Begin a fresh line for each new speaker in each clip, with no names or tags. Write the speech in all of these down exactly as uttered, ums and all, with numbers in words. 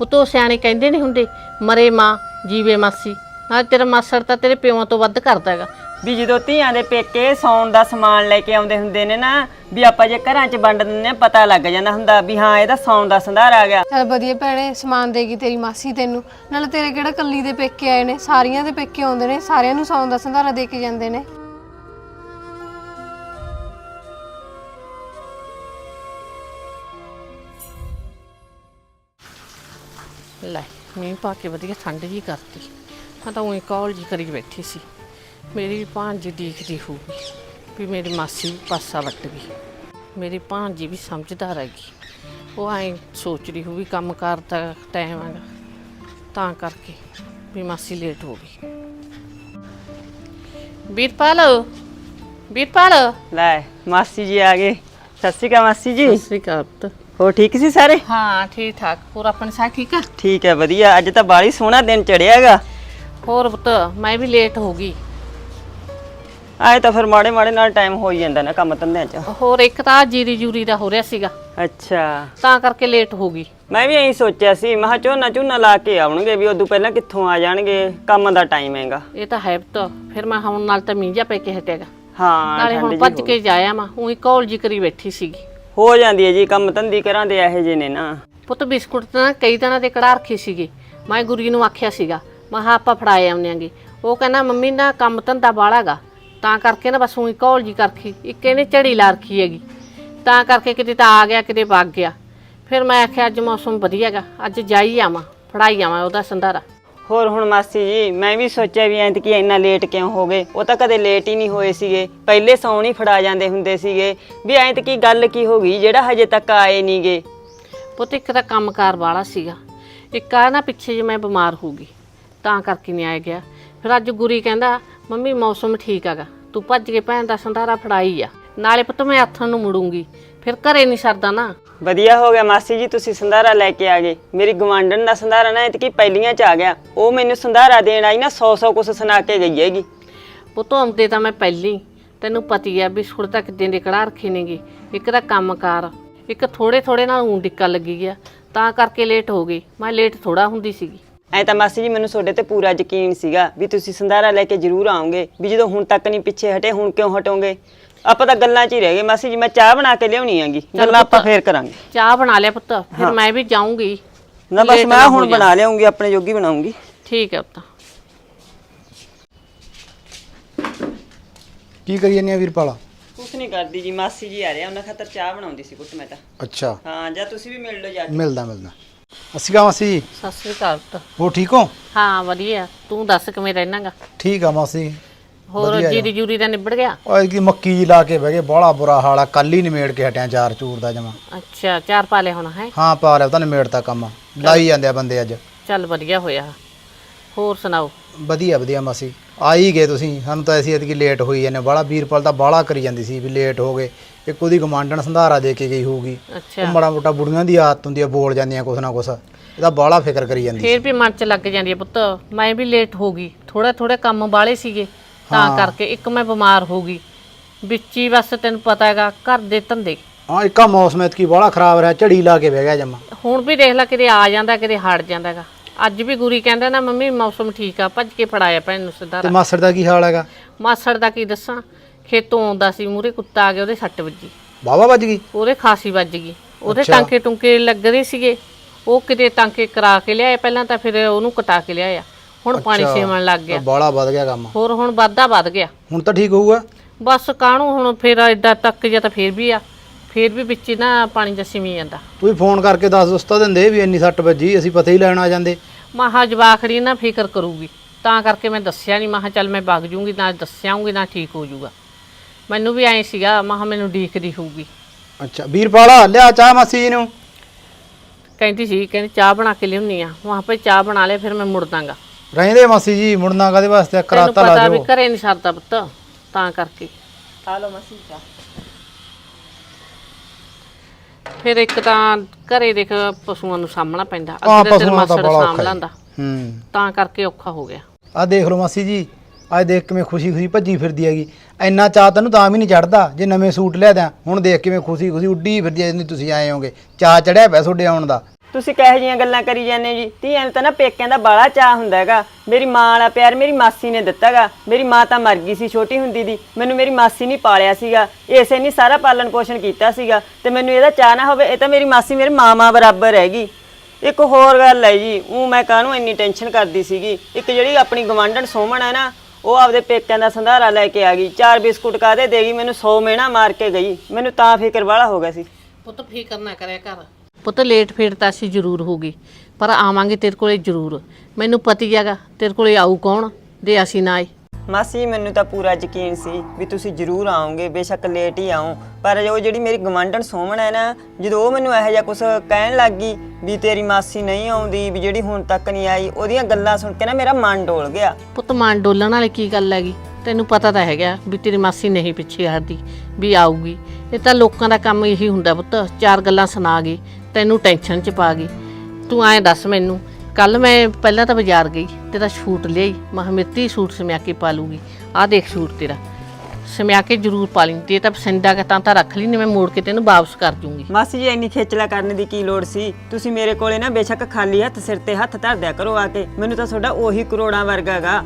ਪੁੱਤੋ ਸਿਆਣੇ ਕਹਿੰਦੇ ਨਹੀਂ ਹੁੰਦੇ ਮਰੇ ਮਾਂ ਜੀਵੇ ਮਾਸੀ। ਨਾਲ ਤੇਰਾ ਮਾਸੜ ਤਾਂ ਤੇਰੇ ਪਿਓਾਂ ਤੋਂ ਵੱਧ ਕਰਦਾ ਹੈਗਾ।
ਵੀ ਜਦੋਂ ਧੀਆਂ ਦੇ ਪੇਕੇ ਸੌਣ ਦਾ ਸਮਾਨ ਲੈ ਕੇ ਆਉਂਦੇ ਹੁੰਦੇ ਨੇ ਨਾ, ਵੀ ਆਪਾਂ ਜੇ ਘਰਾਂ 'ਚ ਵੰਡ ਦਿੰਦੇ ਆ ਪਤਾ ਲੱਗ ਜਾਂਦਾ ਹੁੰਦਾ ਵੀ ਹਾਂ ਇਹਦਾ ਸੌਣ ਦਾ ਸੰਧਾਰ ਆ ਗਿਆ।
ਚੱਲ ਵਧੀਆ ਭੈਣੇ, ਸਮਾਨ ਦੇਗੀ ਤੇਰੀ ਮਾਸੀ ਤੈਨੂੰ। ਨਾਲ ਤੇਰੇ ਕਿਹੜਾ ਕੱਲੀ ਦੇ ਪੇਕੇ ਆਏ ਨੇ, ਸਾਰੀਆਂ ਦੇ ਪੇਕੇ ਆਉਂਦੇ ਨੇ, ਸਾਰਿਆਂ ਨੂੰ ਸੌਣ ਦਾ ਸੰਧਾਰਾ ਦੇ ਕੇ ਜਾਂਦੇ ਨੇ।
ਲੈ ਮੀਂਹ ਪਾ ਕੇ ਵਧੀਆ ਠੰਡ ਜੀ ਕਰਤੀ। ਮੈਂ ਤਾਂ ਉਹੀ ਕੌਲ ਜੀ ਕਰੀ ਬੈਠੀ ਸੀ। ਮੇਰੀ ਭਾਂਜੀ ਦੇਖਦੀ ਹੋਊਗੀ ਵੀ ਮੇਰੀ ਮਾਸੀ ਪਾਸਾ ਵੱਟ ਗਈ। ਮੇਰੀ ਭਾਂਜੀ ਵੀ ਸਮਝਦਾਰ ਹੈਗੀ, ਉਹ ਐਂ ਸੋਚ ਰਹੀ ਹੋਊਗੀ ਕੰਮ ਕਾਰ ਦਾ ਟਾਈਮ ਹੈਗਾ ਤਾਂ ਕਰਕੇ ਵੀ ਮਾਸੀ ਲੇਟ ਹੋ ਗਈ। ਵੀਰਪਾਲ ਵੀਰਪਾਲ
ਲੈ ਮਾਸੀ ਜੀ ਆ ਗਏ। ਸਤਿ ਸ਼੍ਰੀ ਅਕਾਲ ਮਾਸੀ ਜੀ।
ਸਤਿ ਸ਼੍ਰੀ ਅਕਾਲ ਪੁੱਤ।
ਹੋਰ ਠੀਕ ਸੀ ਸਾਰੇ?
ਹਾਂ ਠੀਕ ਠਾਕ। ਹੋਰ ਆਪਣੇ ਸਾਹ ਠੀਕ ਆ?
ਠੀਕ ਹੈ ਵਧੀਆ। ਅੱਜ ਤਾਂ ਬਾਹਲੀ ਸੋਹਣਾ ਦਿਨ ਚੜਿਆ ਹੈਗਾ।
ਹੋਰ ਪੁੱਤ ਮੈਂ ਵੀ ਲੇਟ ਹੋ ਗਈ।
ਆਏ ਤਾਂ ਫਿਰ ਮਾੜੇ ਮਾੜੇ ਨਾਲ ਟਾਈਮ ਹੋ ਹੀ ਜਾਂਦਾ ਨਾ ਕੰਮ ਧੰਦਿਆਂ 'ਚ।
ਹੋਰ ਇੱਕ ਤਾਂ ਜੀਰੀ ਜੂਰੀ ਦਾ ਹੋ ਰਿਹਾ ਸੀਗਾ
ਅੱਛਾ,
ਤਾਂ ਕਰਕੇ ਲੇਟ ਹੋ ਗਈ।
ਮੈਂ ਵੀ ਇਹੀ ਸੋਚਿਆ ਸੀ, ਮੈਂ ਕਿਹਾ ਝੋਨਾ ਝੋਨਾ ਲਾ ਕੇ ਆਉਣਗੇ ਵੀ ਉਦੋਂ ਪਹਿਲਾਂ ਕਿੱਥੋਂ ਆ ਜਾਣਗੇ, ਕੰਮ ਦਾ ਟਾਈਮ ਹੈਗਾ।
ਇਹ ਤਾਂ ਹੈ ਪੁੱਤ। ਫਿਰ ਮੈਂ ਹੁਣ ਨਾਲ ਤਾਂ ਮੀਂਹ ਜਾ ਪੈ ਕੇ ਹਟੇਗਾ।
ਹਾਂ
ਨਾਲੇ ਹੁਣ ਭੱਜ ਕੇ ਜਾਇਆ ਮੈਂ ਉਹੀ ਕੌਲ ਜੀ ਕਰੀ ਬੈਠੀ ਸੀਗੀ।
ਹੋ ਜਾਂਦੀ ਹੈ ਜੀ, ਕੰਮ ਧੰਦੀ ਕਰਾਂ ਦੇ ਇਹੋ ਜਿਹੇ ਨੇ ਨਾ।
ਪੁੱਤ ਬਿਸਕੁਟ ਤਾਂ ਕਈ ਦਿਨਾਂ ਦੇ ਕੜਾ ਰੱਖੇ ਸੀਗੇ। ਮੈਂ ਗੁਰੀ ਨੂੰ ਆਖਿਆ ਸੀਗਾ ਮੈਂ ਕਿਹਾ ਆਪਾਂ ਫੜਾਏ ਆਉਂਦੇਆਂਗੇ। ਉਹ ਕਹਿੰਦਾ ਮੰਮੀ ਨਾ ਕੰਮ ਧੰਦਾ ਬਾਹਲਾ ਗਾ, ਤਾਂ ਕਰਕੇ ਨਾ ਬਸ ਉਹੀ ਕੌਲ ਜੀ ਕਰਖੀ। ਇੱਕ ਇਹਨੇ ਝੜੀ ਲਾ ਰੱਖੀ ਹੈਗੀ, ਤਾਂ ਕਰਕੇ ਕਿਤੇ ਤਾਂ ਆ ਗਿਆ ਕਿਤੇ ਵਗ ਗਿਆ। ਫਿਰ ਮੈਂ ਆਖਿਆ ਅੱਜ ਮੌਸਮ ਵਧੀਆ ਗਾ, ਅੱਜ ਜਾਈ ਆਵਾਂ ਫੜਾਈ ਆਵਾਂ ਉਹਦਾ ਸੰਧਾਰਾ।
ਹੋਰ ਹੁਣ ਮਾਸੀ ਜੀ ਮੈਂ ਵੀ ਸੋਚਿਆ ਵੀ ਐਂ ਕਿ ਇੰਨਾ ਲੇਟ ਕਿਉਂ ਹੋ ਗਏ। ਉਹ ਤਾਂ ਕਦੇ ਲੇਟ ਹੀ ਨਹੀਂ ਹੋਏ ਸੀਗੇ, ਪਹਿਲੇ ਸੌਣ ਹੀ ਫੜਾ ਜਾਂਦੇ ਹੁੰਦੇ ਸੀਗੇ। ਵੀ ਐਂ ਤੇ ਕੀ ਗੱਲ ਕੀ ਹੋ ਗਈ ਜਿਹੜਾ ਹਜੇ ਤੱਕ ਆਏ ਨਹੀਂ ਗੇ।
ਪੁੱਤ ਇੱਕ ਤਾਂ ਕੰਮਕਾਰ ਵਾਲਾ ਸੀਗਾ, ਇੱਕ ਆ ਨਾ ਪਿੱਛੇ ਜੇ ਮੈਂ ਬਿਮਾਰ ਹੋ ਗਈ ਤਾਂ ਕਰਕੇ ਨਹੀਂ ਆਇਆ ਗਿਆ। ਫਿਰ ਅੱਜ ਗੁਰੀ ਕਹਿੰਦਾ ਮੰਮੀ ਮੌਸਮ ਠੀਕ ਹੈਗਾ, ਤੂੰ ਭੱਜ ਕੇ ਭੈਣ ਦਾ ਸੰਧਾਰਾ ਫੜਾਈ ਆ। ਨਾਲੇ ਪੁੱਤ ਮੈਂ ਹੱਥਾਂ ਨੂੰ ਮੁੜੂੰਗੀ, ਫਿਰ ਘਰੇ ਨਹੀਂ ਸਰਦਾ ਨਾ।
ਵਧੀਆ ਹੋ ਗਿਆ ਮਾਸੀ ਜੀ ਤੁਸੀਂ ਸੰਧਾਰਾ ਲੈ ਕੇ ਆ ਗਏ। ਮੇਰੀ ਗਵਾਂਢਣ ਦਾ ਸੰਧਾਰਾ ਨਾ ਐਤਕੀ ਪਹਿਲੀਆਂ 'ਚ ਆ ਗਿਆ। ਉਹ ਮੈਨੂੰ ਸੰਧਾਰਾ ਦੇਣ ਆਈ ਨਾ ਸੌ ਸੌ ਕੁਛ ਸੁਣਾ ਕੇ ਗਈ ਹੈਗੀ।
ਪੁੱਤ ਆਉਂਦੇ ਤਾਂ ਮੈਂ ਪਹਿਲੀ, ਤੈਨੂੰ ਪਤੀ ਆ ਬਿਸਕੁਟ ਤਾਂ ਕਿੱਦਾਂ ਦੇ ਕੜਾ ਰੱਖੇ ਨੇਗੇ। ਇੱਕ ਤਾਂ ਕੰਮਕਾਰ, ਇੱਕ ਥੋੜੇ ਥੋੜੇ ਨਾਲ ਊਂ ਡਿੱਕਾ ਲੱਗੀ ਗਿਆ ਤਾਂ ਕਰਕੇ ਲੇਟ ਹੋ ਗਈ। ਮੈਂ ਲੇਟ ਥੋੜਾ ਹੁੰਦੀ ਸੀਗੀ।
ਐਂ ਤਾਂ ਮਾਸੀ ਜੀ ਮੈਨੂੰ ਤੁਹਾਡੇ ਤੇ ਪੂਰਾ ਯਕੀਨ ਸੀਗਾ ਵੀ ਤੁਸੀਂ ਸੰਧਾਰਾ ਲੈ ਕੇ ਜ਼ਰੂਰ ਆਓਗੇ। ਵੀ ਜਦੋਂ ਹੁਣ ਤੱਕ ਨਹੀਂ ਪਿੱਛੇ ਹਟੇ ਹੁਣ ਕਿਉਂ ਹਟੋਗੇ। ਆਪਾਂ ਤਾਂ ਗੱਲਾਂ 'ਚ ਹੀ ਰਹਿ ਗਏ ਮਾਸੀ ਜੀ। ਮੈਂ ਚਾਹ ਬਣਾ ਕੇ ਲਿਆਉਣੀ ਆਂਗੀ, ਗੱਲਾਂ ਆਪਾਂ ਫੇਰ ਕਰਾਂਗੇ।
ਚਾਹ ਬਣਾ ਲਿਆ ਪੁੱਤ, ਫਿਰ ਮੈਂ ਵੀ ਜਾਊਂਗੀ
ਨਾ। ਬਸ ਮੈਂ ਹੁਣ ਬਣਾ ਲਿਆਉਂਗੀ, ਆਪਣੇ ਜੋਗੀ ਬਣਾਉਂਗੀ।
ਠੀਕ ਹੈ ਪੁੱਤ।
ਕੀ ਕਰੀ ਜਾਂਦੀ ਆ ਵੀਰਪਾਲਾ?
ਕੁਛ ਨਹੀਂ ਕਰਦੀ ਜੀ, ਮਾਸੀ ਜੀ ਆ ਰਹੇ ਉਹਨਾਂ ਖਾਤਰ ਚਾਹ ਬਣਾਉਂਦੀ ਸੀ ਕੁੱਟ ਮੈਂ ਤਾਂ।
ਅੱਛਾ
ਹਾਂ ਜਾਂ ਤੁਸੀਂ ਵੀ ਮਿਲ ਲਓ ਜਾ ਕੇ।
ਮਿਲਦਾ ਮਿਲਦਾ। ਅਸੀਂ ਕਾ ਮਾਸੀ ਜੀ?
ਸਤਿ ਸ੍ਰੀ ਅਕਾਲ ਪੁੱਤ।
ਹੋ ਠੀਕ ਹੋ?
ਹਾਂ ਵਧੀਆ, ਤੂੰ ਦੱਸ ਕਿਵੇਂ ਰਹਿਣਾਗਾ?
ਠੀਕ ਆ ਮਾਸੀ।
ਹੋਰ ਜੀਰੀ ਜੂਰੀ ਦਾ ਨਿਬੜ ਗਿਆ?
ਓਏ ਕੀ ਮੱਕੀ ਜੀ ਲਾ ਕੇ ਬਹਿ ਗਏ, ਬਾਹਲਾ ਬੁਰਾ ਹਾਲ ਆ। ਕੱਲ ਹੀ ਨਿਮੇੜ ਕੇ ਹਟਿਆ ਚਾਰ ਚੂਰ ਦਾ ਜਮਾ।
ਅੱਛਾ ਚਾਰ ਪਾ ਲਿਆ ਹੁਣ ਹੈ?
ਹਾਂ ਪਾ ਲਿਆ ਤਾਂ ਨਿਮੇੜਤਾ ਕੰਮ, ਲਾਈ ਜਾਂਦੇ ਆ ਬੰਦੇ ਅੱਜ।
ਚੱਲ ਵਧੀਆ ਹੋਇਆ। ਹੋਰ ਸੁਣਾਓ?
ਵਧੀਆ ਵਧੀਆ ਮਾਸੀ। ਆ ਹੀ ਗਏ ਤੁਸੀਂ, ਸਾਨੂੰ ਤਾਂ ਅਸੀਂ ਐਤਕੀ ਲੇਟ ਹੋਈ ਜਾਂਦੇ। ਬਾਹਲਾ ਵੀਰਪਾਲ ਤਾਂ ਬਾਹਲਾ ਕਰੀ ਜਾਂਦੀ ਸੀ ਵੀ ਲੇਟ ਹੋ ਗਏ। ਇੱਕ ਉਹਦੀ ਗਮਾਂਡਣ ਸੰਧਾਰਾ ਦੇ ਕੇ ਗਈ ਹੋਊਗੀ।
ਅੱਛਾ
ਉਹ ਮਾੜਾ ਮੋਟਾ ਬੁੜੀਆਂ ਦੀ ਆਦਤ ਹੁੰਦੀ ਆ, ਬੋਲ ਜਾਂਦੀਆਂ ਕੁਛ ਨਾ ਕੁਛ। ਇਹਦਾ ਬਾਹਲਾ ਫਿਕਰ ਕਰੀ ਜਾਂਦੀ।
ਫੇਰ ਵੀ ਮਨ ਚ ਲੱਗ ਜਾਂਦੀ ਹੈ ਪੁੱਤ। ਮੈਂ ਵੀ ਲੇਟ ਹੋ ਗਈ, ਥੋੜਾ ਥੋੜੇ ਕੰਮ ਵਾਲੇ ਸੀਗੇ ਤਾਂ ਕਰਕੇ। ਇੱਕ ਮੈਂ ਬਿਮਾਰ ਹੋ ਗਈ ਵਿੱਚ ਹੀ, ਬਸ ਤੈਨੂੰ ਪਤਾ ਹੈਗਾ ਘਰ ਦੇ ਧੰਦੇ।
ਹਾਂ ਇੱਕਾ ਮੌਸਮ ਐਤਕੀ ਬਾਹਲਾ ਖਰਾਬ ਰਿਹਾ, ਝੜੀ ਲਾ ਕੇ ਬਹਿ ਗਿਆ ਜਮਾ।
ਹੁਣ ਵੀ ਦੇਖ ਲੈ ਕਿਤੇ ਆ ਜਾਂਦਾ ਕਿਤੇ ਹਟ ਜਾਂਦਾ ਹੈਗਾ। ਅੱਜ ਵੀ ਗੁਰੀ ਕਹਿੰਦਾ ਨਾ ਮੰਮੀ ਮੌਸਮ ਠੀਕ ਆ, ਭੱਜ ਕੇ ਫੜਾਇਆ ਭੈਣ ਨੂੰ
ਤੇ
ਸੰਧਾਰਾ।
ਮਾਸੜ ਦਾ ਕੀ ਹਾਲ ਹੈਗਾ?
ਮਾਸੜ ਦਾ ਕੀ ਦੱਸਾਂ, ਖੇਤੋਂ ਆਉਂਦਾ ਸੀ ਮੂਹਰੇ ਕੁੱਤਾ ਆ ਗਿਆ, ਉਹਦੇ ਸੱਟ ਵੱਜੀ।
ਵਾਹਵਾ ਵੱਜ ਗਈ?
ਉਹਦੇ ਖਾਸੀ ਵੱਜ ਗਈ। ਉਹਦੇ ਟਾਂਕੇ ਟੁੰਕੇ ਲੱਗ ਰਹੇ ਸੀਗੇ, ਉਹ ਕਿਤੇ ਟਾਂਕੇ ਕਰਾ ਕੇ ਲਿਆਏ ਪਹਿਲਾਂ, ਤਾਂ ਫਿਰ ਉਹਨੂੰ ਕਟਾ ਕੇ ਲਿਆਇਆ। ਹੁਣ ਪਾਣੀ ਸੇਵਣ ਲੱਗ ਗਿਆ।
ਬਾਹਲਾ ਵੱਧ ਗਿਆ ਕੰਮ।
ਹੋਰ ਹੁਣ ਵਾਧਾ ਵੱਧ ਗਿਆ।
ਹੁਣ ਤਾਂ ਠੀਕ ਹੋਊਗਾ
ਬਸ ਕਾਹਨੂੰ ਹੁਣ ਫਿਰ ਐਡਾ ਤੱਕ ਜਾਂ ਤਾਂ ਫਿਰ ਵੀ ਆ, ਫਿਰ ਵੀ ਵਿੱਚ ਨਾ ਪਾਣੀ ਦਾ ਸਿਮੀ ਜਾਂਦਾ।
ਤੁਸੀਂ ਫੋਨ ਕਰਕੇ ਦੱਸ ਦੋਸਤਾ ਦਿੰਦੇ ਵੀ ਇੰਨੀ ਸੱਟ ਵੱਜੀ, ਅਸੀਂ ਪਤਾ ਹੀ ਲੈਣ ਆ ਜਾਂਦੇ।
ਮਾਹਾ ਜਵਾਖੜੀ ਨਾ ਫਿਕਰ ਕਰੂਗੀ ਤਾਂ ਕਰਕੇ ਮੈਂ ਦੱਸਿਆ ਨਹੀਂ। ਮਾਹਾ ਚੱਲ ਮੈਂ ਵਗ ਜੂੰਗੀ, ਨਾ ਦੱਸਿਆਉਂਗੀ ਨਾ ਠੀਕ ਹੋ ਜਾਊਗਾ। ਮੈਨੂੰ ਵੀ ਐਂ ਸੀਗਾ ਮਾਹਾ ਮੈਨੂੰ ਡੀਕਦੀ ਹੋਊਗੀ।
ਅੱਛਾ ਵੀਰਪਾਲਾ ਲਿਆ ਚਾਹ ਮਾਸੀ ਜੀ ਨੂੰ।
ਕਹਿੰਦੀ ਸੀ ਕਹਿੰਦੀ ਚਾਹ ਬਣਾ ਕੇ ਲਿਆਉਣੀ ਆ। ਵਾਹ ਭਾਈ ਚਾਹ ਬਣਾ ਲਿਆ, ਫਿਰ ਮੈਂ ਮੁੜ ਦਾਂਗਾ।
ਰਹਿੰਦੇ ਮਾਸੀ ਜੀ, ਮੁੜਨਾ ਕਾਦੇ ਵਾਸਤੇ? ਕਰਾਤਾ ਲਾ
ਪਤਾ ਵੀ
ਦਿਓ।
ਘਰੇ ਨਹੀਂ ਸਰਦਾ ਪੁੱਤ ਤਾਂ ਕਰਕੇ।
ਆ ਲਓ ਮਾਸੀ ਚਾਹ।
ਫਿਰ ਇੱਕ ਤਾਂ ਘਰੇ ਦੇਖ ਪਸ਼ੂਆਂ ਨੂੰ ਸਾਂਭਣਾ ਪੈਂਦਾ,
ਹਾਂ,
ਅੱਗੇ ਤਾਂ ਤੇਰਾ
ਪਸ਼ੂਆਂ ਦਾ
ਮਾਸੜ
ਬੜਾ
ਸਾਂਭ
ਔਖਾ
ਲੈਂਦਾ,
ਹੂੰ
ਤਾਂ ਕਰਕੇ ਔਖਾ ਹੋ ਗਿਆ।
ਆ ਦੇਖ ਲਓ ਮਾਸੀ ਜੀ, ਅੱਜ ਦੇਖ ਕਿਵੇਂ ਖੁਸ਼ੀ ਖੁਸ਼ੀ ਭੱਜੀ ਫਿਰਦੀ ਹੈਗੀ। ਇੰਨਾ ਚਾਹ ਤੈਨੂੰ ਤਾਂ ਵੀ ਨਹੀਂ ਚੜਦਾ ਜੇ ਨਵੇਂ ਸੂਟ ਲਿਆ ਦਿਆਂ। ਹੁਣ ਦੇਖ ਕਿਵੇਂ ਖੁਸ਼ੀ ਖੁਸ਼ੀ ਉੱਡੀ ਫਿਰਦੀ ਐ। ਜਿੰਨੀ ਤੁਸੀਂ ਆਏ ਹੋਗੇ ਚਾਹ ਚੜਿਆ ਪਿਆ ਤੁਹਾਡੇ ਆਉਣ ਦਾ।
ਤੁਸੀਂ ਕਿਹੋ ਜਿਹੀਆਂ ਗੱਲਾਂ ਕਰੀ ਜਾਂਦੇ ਜੀ? ਧੀਆਂ ਨੂੰ ਤਾਂ ਨਾ ਪੇਕਿਆਂ ਦਾ ਬਾਲਾ ਚਾਅ ਹੁੰਦਾ ਹੈਗਾ। ਮੇਰੀ ਮਾਂ ਵਾਲਾ ਪਿਆਰ ਮੇਰੀ ਮਾਸੀ ਨੇ ਦਿੱਤਾਗਾ। ਮੇਰੀ ਮਾਂ ਤਾਂ ਮਰ ਗਈ ਸੀ ਛੋਟੀ ਹੁੰਦੀ ਦੀ, ਮੈਨੂੰ ਮੇਰੀ ਮਾਸੀ ਨਹੀਂ ਪਾਲਿਆ ਸੀਗਾ, ਇਸੇ ਨੇ ਸਾਰਾ ਪਾਲਣ ਪੋਸ਼ਣ ਕੀਤਾ ਸੀਗਾ, ਤੇ ਮੈਨੂੰ ਇਹਦਾ ਚਾਅ ਨਾ ਹੋਵੇ। ਇਹ ਤਾਂ ਮੇਰੀ ਮਾਸੀ ਮੇਰੇ ਮਾਂ ਬਰਾਬਰ ਹੈਗੀ। ਇੱਕ ਹੋਰ ਗੱਲ ਹੈ ਜੀ, ਉਹ ਮੈਂ ਕਾਹਨੂੰ ਇੰਨੀ ਟੈਨਸ਼ਨ ਕਰਦੀ ਸੀਗੀ, ਇੱਕ ਜਿਹੜੀ ਆਪਣੀ ਗਵਾਂਢਣ ਸੋਮਣ ਹੈ ਨਾ, ਉਹ ਆਪਦੇ ਪੇਕਿਆਂ ਦਾ ਸੰਧਾਰਾ ਲੈ ਕੇ ਆ ਗਈ। ਚਾਰ ਬਿਸਕੁਟ ਕਾਹਦੇ ਦੇਗੀ, ਮੈਨੂੰ ਸੌ ਮਿਹਣਾ ਮਾਰ ਕੇ ਗਈ। ਮੈਨੂੰ ਤਾਂ ਫਿਕਰ ਵਾਲਾ ਹੋ ਗਿਆ ਸੀ।
ਪੁੱਤ ਫਿਕਰ ਨਾ ਕਰਿਆ ਕਰ ਪੁੱਤ, ਲੇਟ ਫੇਟ ਤਾਂ ਅਸੀਂ ਜ਼ਰੂਰ ਹੋਗੀ, ਪਰ ਆਵਾਂਗੇ ਤੇਰੇ ਕੋਲੇ ਜ਼ਰੂਰ। ਮੈਨੂੰ ਪਤੀ ਹੈਗਾ ਤੇਰੇ ਕੋਲੇ ਆਊ ਕੌਣ ਦੇ ਅਸੀਂ ਨਾ ਆਏ।
ਮਾਸੀ ਮੈਨੂੰ ਤਾਂ ਪੂਰਾ ਯਕੀਨ ਸੀ ਵੀ ਤੁਸੀਂ ਜ਼ਰੂਰ ਆਓਗੇ, ਬੇਸ਼ੱਕ ਲੇਟ ਹੀ ਆਉਂ, ਪਰ ਉਹ ਜਿਹੜੀ ਮੇਰੀ ਗਵਾਂਢਣ ਸੋਮਣ ਹੈ ਨਾ, ਜਦੋਂ ਉਹ ਮੈਨੂੰ ਇਹੋ ਜਿਹਾ ਕੁਝ ਕਹਿਣ ਲੱਗ ਗਈ ਵੀ ਤੇਰੀ ਮਾਸੀ ਨਹੀਂ ਆਉਂਦੀ, ਵੀ ਜਿਹੜੀ ਹੁਣ ਤੱਕ ਨਹੀਂ ਆਈ, ਉਹਦੀਆਂ ਗੱਲਾਂ ਸੁਣ ਕੇ ਨਾ ਮੇਰਾ ਮਨ ਡੋਲ ਗਿਆ।
ਪੁੱਤ ਮਨ ਡੋਲਣ ਵਾਲੀ ਕੀ ਗੱਲ ਹੈਗੀ? ਤੈਨੂੰ ਪਤਾ ਤਾਂ ਹੈਗਾ ਵੀ ਤੇਰੀ ਮਾਸੀ ਨਹੀਂ ਪਿੱਛੇ ਹਟਦੀ, ਵੀ ਆਊਗੀ। ਇਹ ਤਾਂ ਲੋਕਾਂ ਦਾ ਕੰਮ ਇਹੀ ਹੁੰਦਾ ਪੁੱਤ, ਚਾਰ ਗੱਲਾਂ ਸੁਣਾ ਗਈ ਤੈਨੂੰ ਟੈਨਸ਼ਨ 'ਚ ਪਾ ਗਈ। ਤੂੰ ਐਂ ਦੱਸ ਮੈਨੂੰ, ਕੱਲ ਮੈਂ ਪਹਿਲਾਂ ਤਾਂ ਬਾਜ਼ਾਰ ਗਈ, ਤੇਰਾ ਸੂਟ ਲਿਆਈ, ਮੈਂ ਕਿਹਾ ਮਿੱਤੀ ਸੂਟ ਸਮਿਆ ਕੇ ਪਾ ਲੂਗੀ। ਆਹ ਦੇਖ ਸੂਟ ਤੇਰਾ ਸਮਿਆ ਕੇ ਜ਼ਰੂਰ ਪਾ ਲਈ, ਤੇ ਤਾਂ ਪਸੰਦ ਆ ਕੇ ਤਾਂ ਤਾਂ ਰੱਖ ਲਈ, ਨਹੀਂ ਮੈਂ ਮੋੜ ਕੇ ਤੈਨੂੰ ਵਾਪਸ ਕਰ ਦੂੰਗੀ।
ਮਾਸੀ ਜੀ ਇੰਨੀ ਖੇਚਲਾ ਕਰਨ ਦੀ ਕੀ ਲੋੜ ਸੀ? ਤੁਸੀਂ ਮੇਰੇ ਕੋਲੇ ਨਾ ਬੇਸ਼ੱਕ ਖਾਲੀ ਹੱਥ ਸਿਰ ਤੇ ਹੱਥ ਧਰ ਦਿਆ ਕਰੋ ਆ ਕੇ, ਮੈਨੂੰ ਤਾਂ ਤੁਹਾਡਾ ਉਹੀ ਕਰੋੜਾਂ ਵਰਗਾਗਾ।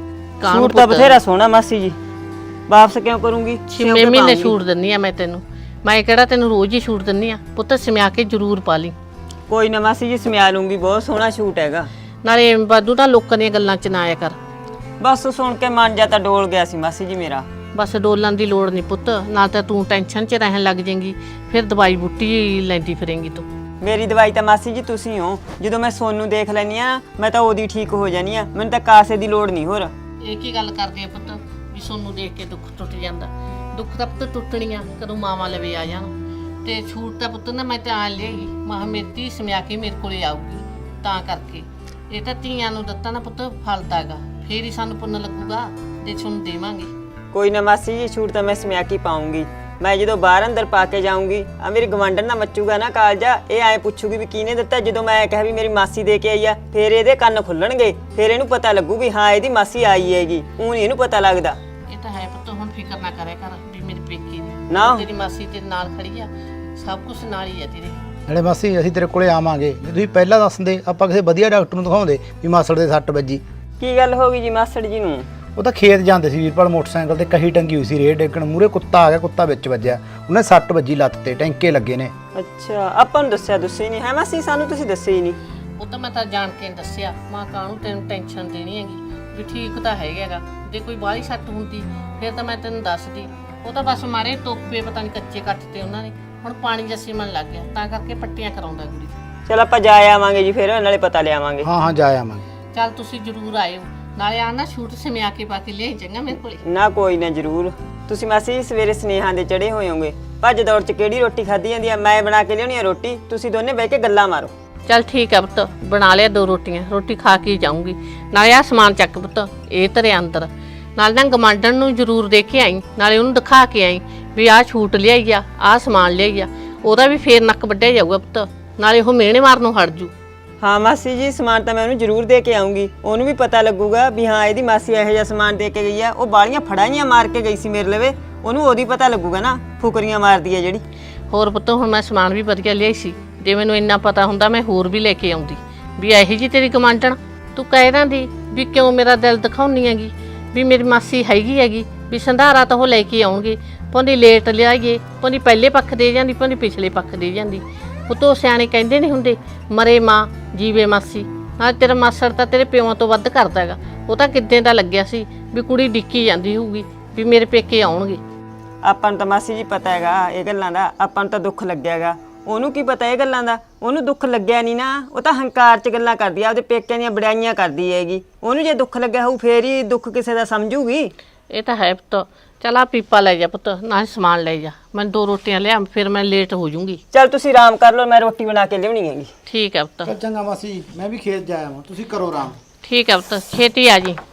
ਸੂਟ ਤਾਂ ਬਥੇਰਾ ਸੋਹਣਾ ਮਾਸੀ ਜੀ, ਵਾਪਸ ਕਿਉਂ ਕਰੂੰਗੀ?
ਛੇ ਮਹੀਨੇ ਸੂਟ ਦਿੰਨੀ ਆ ਮੈਂ ਤੈਨੂੰ, ਮੈਂ ਕਿਹੜਾ ਤੈਨੂੰ ਰੋਜ਼ ਹੀ ਸੂਟ ਦਿੰਨੀ ਆ? ਪੁੱਤ ਸਮਿਆ ਕੇ ਜ਼ਰੂਰ ਪਾ ਲਈ।
ਕੋਈ ਨਾ ਮਾਸੀ ਜੀ ਸਮਿਆ ਲੂੰਗੀ, ਬਹੁਤ ਸੋਹਣਾ ਸੂਟ ਹੈਗਾ।
ਨਾਲੇ ਵਾਧੂ ਤਾਂ ਲੋਕਾਂ ਦੀਆਂ ਗੱਲਾਂ 'ਚ ਨਾ ਆਇਆ ਕਰ।
ਬਸ ਸੁਣ ਕੇ ਮਨ ਜਾ ਤਾਂ ਡੋਲ ਗਿਆ ਸੀ ਮਾਸੀ ਜੀ ਮੇਰਾ।
ਬਸ ਡੋਲਣ ਦੀ ਲੋੜ ਨਹੀਂ ਪੁੱਤ, ਨਾਲ ਤਾਂ ਤੂੰ ਟੈਨਸ਼ਨ 'ਚ ਰਹਿਣ ਲੱਗ ਜਾਏਂਗੀ, ਫਿਰ ਦਵਾਈ ਬੂਟੀ ਲੈਂਦੀ ਫਿਰੇਂਗੀ ਤੂੰ।
ਮੇਰੀ ਦਵਾਈ ਤਾਂ ਮਾਸੀ ਜੀ ਤੁਸੀਂ ਹੋ। ਜਦੋਂ ਮੈਂ ਸੋਨੂੰ ਦੇਖ ਲੈਨੀ ਆ ਮੈਂ ਤਾਂ ਉਹਦੀ ਠੀਕ ਹੋ ਜਾਨੀ ਆ, ਮੈਨੂੰ ਤਾਂ ਕਾਸੇ ਦੀ ਲੋੜ ਨਹੀਂ ਹੋਰ।
ਇਹ ਕੀ ਗੱਲ ਕਰਦੇ ਆ ਪੁੱਤ ਵੀ ਸੋਨੂੰ ਦੇਖ ਕੇ ਦੁੱਖ ਟੁੱਟ ਜਾਂਦਾ? ਦੁੱਖ ਤਾਂ ਪੁੱਤ ਟੁੱਟਣੀਆਂ ਕਦੋਂ ਮਾਵਾਂ ਲਵੇ ਆ ਜਾਣ। ਤੇ ਛੂਟ ਤਾਂ ਪੁੱਤ ਨਾ ਮੈਂ ਤਾਂ ਆ ਲਿਆਈ, ਮਾਂ ਮੇਰੀ ਸਮਿਆ ਕੇ ਮੇਰੇ ਕੋਲੇ ਆਊਗੀ, ਤਾਂ ਕਰਕੇ ਇਹ ਤਾਂ ਧੀਆਂ ਨੂੰ ਦਿੱਤਾ ਨਾ ਪੁੱਤ ਫਲਦਾ ਹੈਗਾ, ਫੇਰ ਹੀ ਸਾਨੂੰ ਪੁੰਨ ਲੱਗੂਗਾ ਤੇ ਤੁਹਾਨੂੰ ਦੇਵਾਂਗੇ।
ਕੋਈ ਨਾ ਮਾਸੀ ਜੀ, ਛੂਟ ਤਾਂ ਮੈਂ ਸਮਿਆ ਕੇ ਪਾਉਂਗੀ। ਮੈਂ ਜਦੋਂ ਬਾਹਰ ਅੰਦਰ ਪਾ ਕੇ ਜਾਊਂਗੀ, ਆ ਮੇਰੀ ਗਵਾਂਢਣ ਨਾ ਮੱਚੂਗਾ ਨਾ ਕਾਲਜਾ, ਇਹ ਐ ਪੁੱਛੂਗੀ ਵੀ ਕਿਹਨੇ ਦਿੱਤਾ। ਜਦੋਂ ਮੈਂ ਕਿਹਾ ਵੀ ਮੇਰੀ ਮਾਸੀ ਦੇ ਕੇ ਆਈ ਆ, ਫੇਰ ਇਹਦੇ ਕੰਨ ਖੁੱਲਣਗੇ, ਫੇਰ ਇਹਨੂੰ ਪਤਾ ਲੱਗੂ ਵੀ ਹਾਂ ਇਹਦੀ ਮਾਸੀ ਆਈ ਹੈਗੀ। ਊਂ ਨਹੀਂ ਇਹਨੂੰ ਪਤਾ ਲੱਗਦਾ।
ਇਹ ਤਾਂ ਹੈ ਪੁੱਤ, ਹੁਣ ਫਿਕਰ ਨਾ ਕਰਿਆ ਕਰ ਵੀ ਮੇਰੀ ਪੇਕੀ ਦੀ
ਨਾ
ਤੇਰੀ ਮਾਸੀ ਤੇਰੇ ਨਾਲ ਖੜੀ ਆ, ਸਭ ਕੁਝ ਨਾਲ ਹੀ ਆ ਤੇਰੇ।
ਨਾਲੇ ਮਾਸੀ ਅਸੀਂ ਤੇਰੇ ਕੋਲੇ ਆਵਾਂਗੇ, ਜੇ ਤੁਸੀਂ ਪਹਿਲਾਂ ਦੱਸਦੇ ਆਪਾਂ ਕਿਸੇ ਵਧੀਆ ਡਾਕਟਰ ਨੂੰ ਦਿਖਾਉਂਦੇ ਵੀ ਮਾਸੜ ਦੇ ਸੱਟ ਵੱਜੀ।
ਕੀ ਗੱਲ ਹੋ ਗਈ ਜੀ ਮਾਸੜ ਜੀ ਨੂੰ?
ਉਹ ਤਾਂ ਖੇਤ ਜਾਂਦੇ ਸੀ ਵੀਰਪਾਲ, ਮੋਟਰਸਾਈਕਲ ਤੇ ਕਹੀ ਟੰਗੀ ਹੋਈ ਸੀ, ਰੇਹ ਡੇਕਣ ਮੂਰੇ ਕੁੱਤਾ ਆ ਗਿਆ, ਕੁੱਤਾ ਵਿੱਚ ਵੱਜਿਆ, ਉਹਨੇ ਸੱਟ ਵੱਜੀ ਲੱਤ ਤੇ, ਟੈਂਕੇ ਲੱਗੇ ਨੇ।
ਅੱਛਾ, ਆਪਾਂ ਨੂੰ ਦੱਸਿਆ ਦੱਸੇ ਨਹੀਂ ਹੈ ਮਾਸੀ? ਸਾਨੂੰ ਤੁਸੀਂ ਦੱਸੇ ਹੀ ਨਹੀਂ।
ਉਹ ਤਾਂ ਮੈਂ ਤਾਂ ਜਾਣ ਕੇ ਨੀ ਦੱਸਿਆ, ਮਾਂ ਕਾਹਨੂੰ ਤੈਨੂੰ ਟੈਨਸ਼ਨ ਦੇਣੀ ਹੈਗੀ, ਵੀ ਠੀਕ ਤਾਂ ਹੈਗਾ। ਜੇ ਕੋਈ ਬਾਹਲੀ ਸੱਟ ਹੁੰਦੀ ਫਿਰ ਤਾਂ ਮੈਂ ਤੈਨੂੰ ਦੱਸਦੀ। ਉਹ ਤਾਂ ਬਸ ਮਾਰੇ ਤੋਪੇ ਪਤਾ ਨਹੀਂ ਕੱਚੇ ਕੱਟਤੇ ਉਹਨਾਂ ਨੇ, ਹੁਣ ਪਾਣੀ ਜੱਸੀ ਮਨ ਲੱਗ ਗਿਆ, ਤਾਂ ਕਰਕੇ ਪੱਟੀਆਂ ਕਰਾਉਂਦਾ ਕੁੜੀ।
ਚਲ ਆਪਾਂ ਜਾ ਆਵਾਂਗੇ ਜੀ, ਫਿਰ ਨਾਲੇ ਪਤਾ ਲਿਆਵਾਂਗੇ।
ਹਾਂ ਹਾਂ ਜਾ ਆਵਾਂਗੇ।
ਚੱਲ ਤੁਸੀਂ ਜ਼ਰੂਰ ਆਇਓ, ਨਾਲੇ ਆ ਨਾ ਸ਼ੂਟ ਸਮਿਆ ਕੇ ਪਾ ਕੇ ਲਿਆਈ ਚੰਗਾ ਮੇਰੇ ਕੋਲੇ।
ਨਾ ਕੋਈ ਨਾ ਜ਼ਰੂਰ। ਤੁਸੀਂ ਮਾਸੀ ਸਵੇਰੇ ਸਨੇਹਾਂ ਦੇ ਚੜੇ ਹੋਏ ਹੋਗੇ, ਭੱਜ ਦੌੜ ਚ ਕਿਹੜੀ ਰੋਟੀ ਖਾਧੀ ਜਾਂਦੀ ਆ? ਮੈਂ ਬਣਾ ਕੇ ਲਿਆਉਣੀ ਆ ਰੋਟੀ, ਤੁਸੀਂ ਦੋਨੇ ਬਹਿ ਕੇ ਗੱਲਾਂ ਮਾਰੋ।
ਚੱਲ ਠੀਕ ਆ ਪੁੱਤ, ਬਣਾ ਲਿਆ ਦੋ ਰੋਟੀਆਂ, ਰੋਟੀ ਖਾ ਕੇ ਜਾਊਂਗੀ। ਨਾਲੇ ਆ ਸਮਾਨ ਚੱਕ ਪੁੱਤ, ਇਹ ਧਰਿਆ ਅੰਦਰ। ਨਾਲ ਨਾ ਗਮਾਂਡਣ ਨੂੰ ਜ਼ਰੂਰ ਦੇ ਕੇ ਆਈ, ਨਾਲੇ ਉਹਨੂੰ ਦਿਖਾ ਕੇ ਆਈ ਵੀ ਆਹ ਛੂਟ ਲਿਆਈ ਆ, ਆਹ ਸਮਾਨ ਲਿਆਈ ਆ, ਉਹਦਾ ਵੀ ਫੇਰ ਨੱਕ ਵੱਢਿਆ ਜਾਊਗਾ ਪੁੱਤ, ਨਾਲੇ ਉਹ ਮਿਹਣੇ ਮਾਰਨੋਂ ਹਟ ਜੂ।
ਹਾਂ ਮਾਸੀ ਜੀ, ਸਮਾਨ ਤਾਂ ਮੈਂ ਉਹਨੂੰ ਜ਼ਰੂਰ ਦੇ ਕੇ ਆਉਂਗੀ, ਉਹਨੂੰ ਵੀ ਪਤਾ ਲੱਗੂਗਾ ਵੀ ਹਾਂ ਇਹਦੀ ਮਾਸੀ ਇਹੋ ਜਿਹਾ ਸਮਾਨ ਦੇ ਕੇ ਗਈ ਆ। ਉਹ ਬਾਲੀਆਂ ਫੜਾਈਆਂ ਮਾਰ ਕੇ ਗਈ ਸੀ ਮੇਰੇ ਲਵੇ, ਉਹਨੂੰ ਉਹਦੀ ਪਤਾ ਲੱਗੂਗਾ ਨਾ, ਫੁਕਰੀਆਂ ਮਾਰਦੀ ਆ ਜਿਹੜੀ।
ਹੋਰ ਪੁੱਤ ਹੁਣ ਮੈਂ ਸਮਾਨ ਵੀ ਵਧੀਆ ਲਿਆਈ ਸੀ, ਜੇ ਮੈਨੂੰ ਇੰਨਾ ਪਤਾ ਹੁੰਦਾ ਮੈਂ ਹੋਰ ਵੀ ਲੈ ਕੇ ਆਉਂਦੀ ਵੀ ਇਹੀ ਜੀ ਤੇਰੀ ਗਮਾਂਡਣ। ਤੂੰ ਕਹਿ ਦਿੰਦੀ ਵੀ ਕਿਉਂ ਮੇਰਾ ਦਿਲ ਦਿਖਾਉਣੀ ਹੈਗੀ, ਵੀ ਮੇਰੀ ਮਾਸੀ ਹੈਗੀ ਹੈਗੀ, ਵੀ ਸੰਧਾਰਾ ਤਾਂ ਉਹ ਲੈ ਕੇ ਆਉਣਗੇ, ਭਾਵੇਂ ਲੇਟ ਲਿਆਈਏ, ਭਾਵੇਂ ਪਹਿਲੇ ਪੱਖ ਦੇ ਜਾਂਦੀ, ਭਾਵੇਂ ਪਿਛਲੇ ਪੱਖ ਦੇ ਜਾਂਦੀ। ਉਹ ਤੋਂ ਸਿਆਣੇ ਕਹਿੰਦੇ ਨਹੀਂ ਹੁੰਦੇ, ਮਰੇ ਮਾਂ ਜੀਵੇ ਮਾਸੀ। ਨਾਲ ਤੇਰਾ ਮਾਸੜ ਤਾਂ ਤੇਰੇ ਪਿਓਾਂ ਤੋਂ ਵੱਧ ਕਰਦਾ ਹੈਗਾ, ਉਹ ਤਾਂ ਕਿੱਦਾਂ ਦਾ ਲੱਗਿਆ ਸੀ ਵੀ ਕੁੜੀ ਡਿੱਕੀ ਜਾਂਦੀ ਹੋਊਗੀ ਵੀ ਮੇਰੇ ਪੇਕੇ ਆਉਣਗੇ।
ਆਪਾਂ ਨੂੰ ਤਾਂ ਮਾਸੀ ਜੀ ਪਤਾ ਹੈਗਾ ਇਹ ਗੱਲਾਂ ਦਾ, ਆਪਾਂ ਨੂੰ ਤਾਂ ਦੁੱਖ ਲੱਗਿਆ ਹੈਗਾ, ਉਹਨੂੰ ਕੀ ਪਤਾ ਇਹ ਗੱਲਾਂ ਦਾ? ਉਹਨੂੰ ਦੁੱਖ ਲੱਗਿਆ ਨਹੀਂ ਨਾ, ਉਹ ਤਾਂ ਹੰਕਾਰ 'ਚ ਗੱਲਾਂ ਕਰਦੀ ਆ, ਉਹਦੇ ਪੇਕਿਆਂ ਦੀਆਂ ਬੜਾਈਆਂ ਕਰਦੀ ਹੈਗੀ। ਉਹਨੂੰ ਜੇ ਦੁੱਖ ਲੱਗਿਆ ਹੋਊ ਫੇਰ ਹੀ ਦੁੱਖ ਕਿਸੇ ਦਾ ਸਮਝੂਗੀ।
ਇਹ ਤਾਂ ਹੈ ਪੁੱਤ। ਚੱਲ ਆ ਪੀਪਾ ਲੈ ਜਾ ਪੁੱਤ, ਨਾਲ ਸਮਾਨ ਲੈ ਜਾ, ਮੈਂ ਦੋ ਰੋਟੀਆਂ ਲਿਆ, ਫਿਰ ਮੈਂ ਲੇਟ ਹੋ ਜੂੰਗੀ।
ਚੱਲ ਤੁਸੀਂ ਆਰਾਮ ਕਰ ਲਓ, ਮੈਂ ਰੋਟੀ ਬਣਾ ਕੇ ਲਿਆਉਣੀ ਹੈਗੀ।
ਠੀਕ ਹੈ ਪੁੱਤ।
ਚੱਲ ਚੰਗਾ ਮਾਸੀ, ਮੈਂ ਵੀ ਖੇਤ ਜਾ ਆਵਾਂ, ਤੁਸੀਂ ਕਰੋ ਆਰਾਮ।
ਠੀਕ ਹੈ ਪੁੱਤ, ਛੇਤੀ ਆ ਜੀ।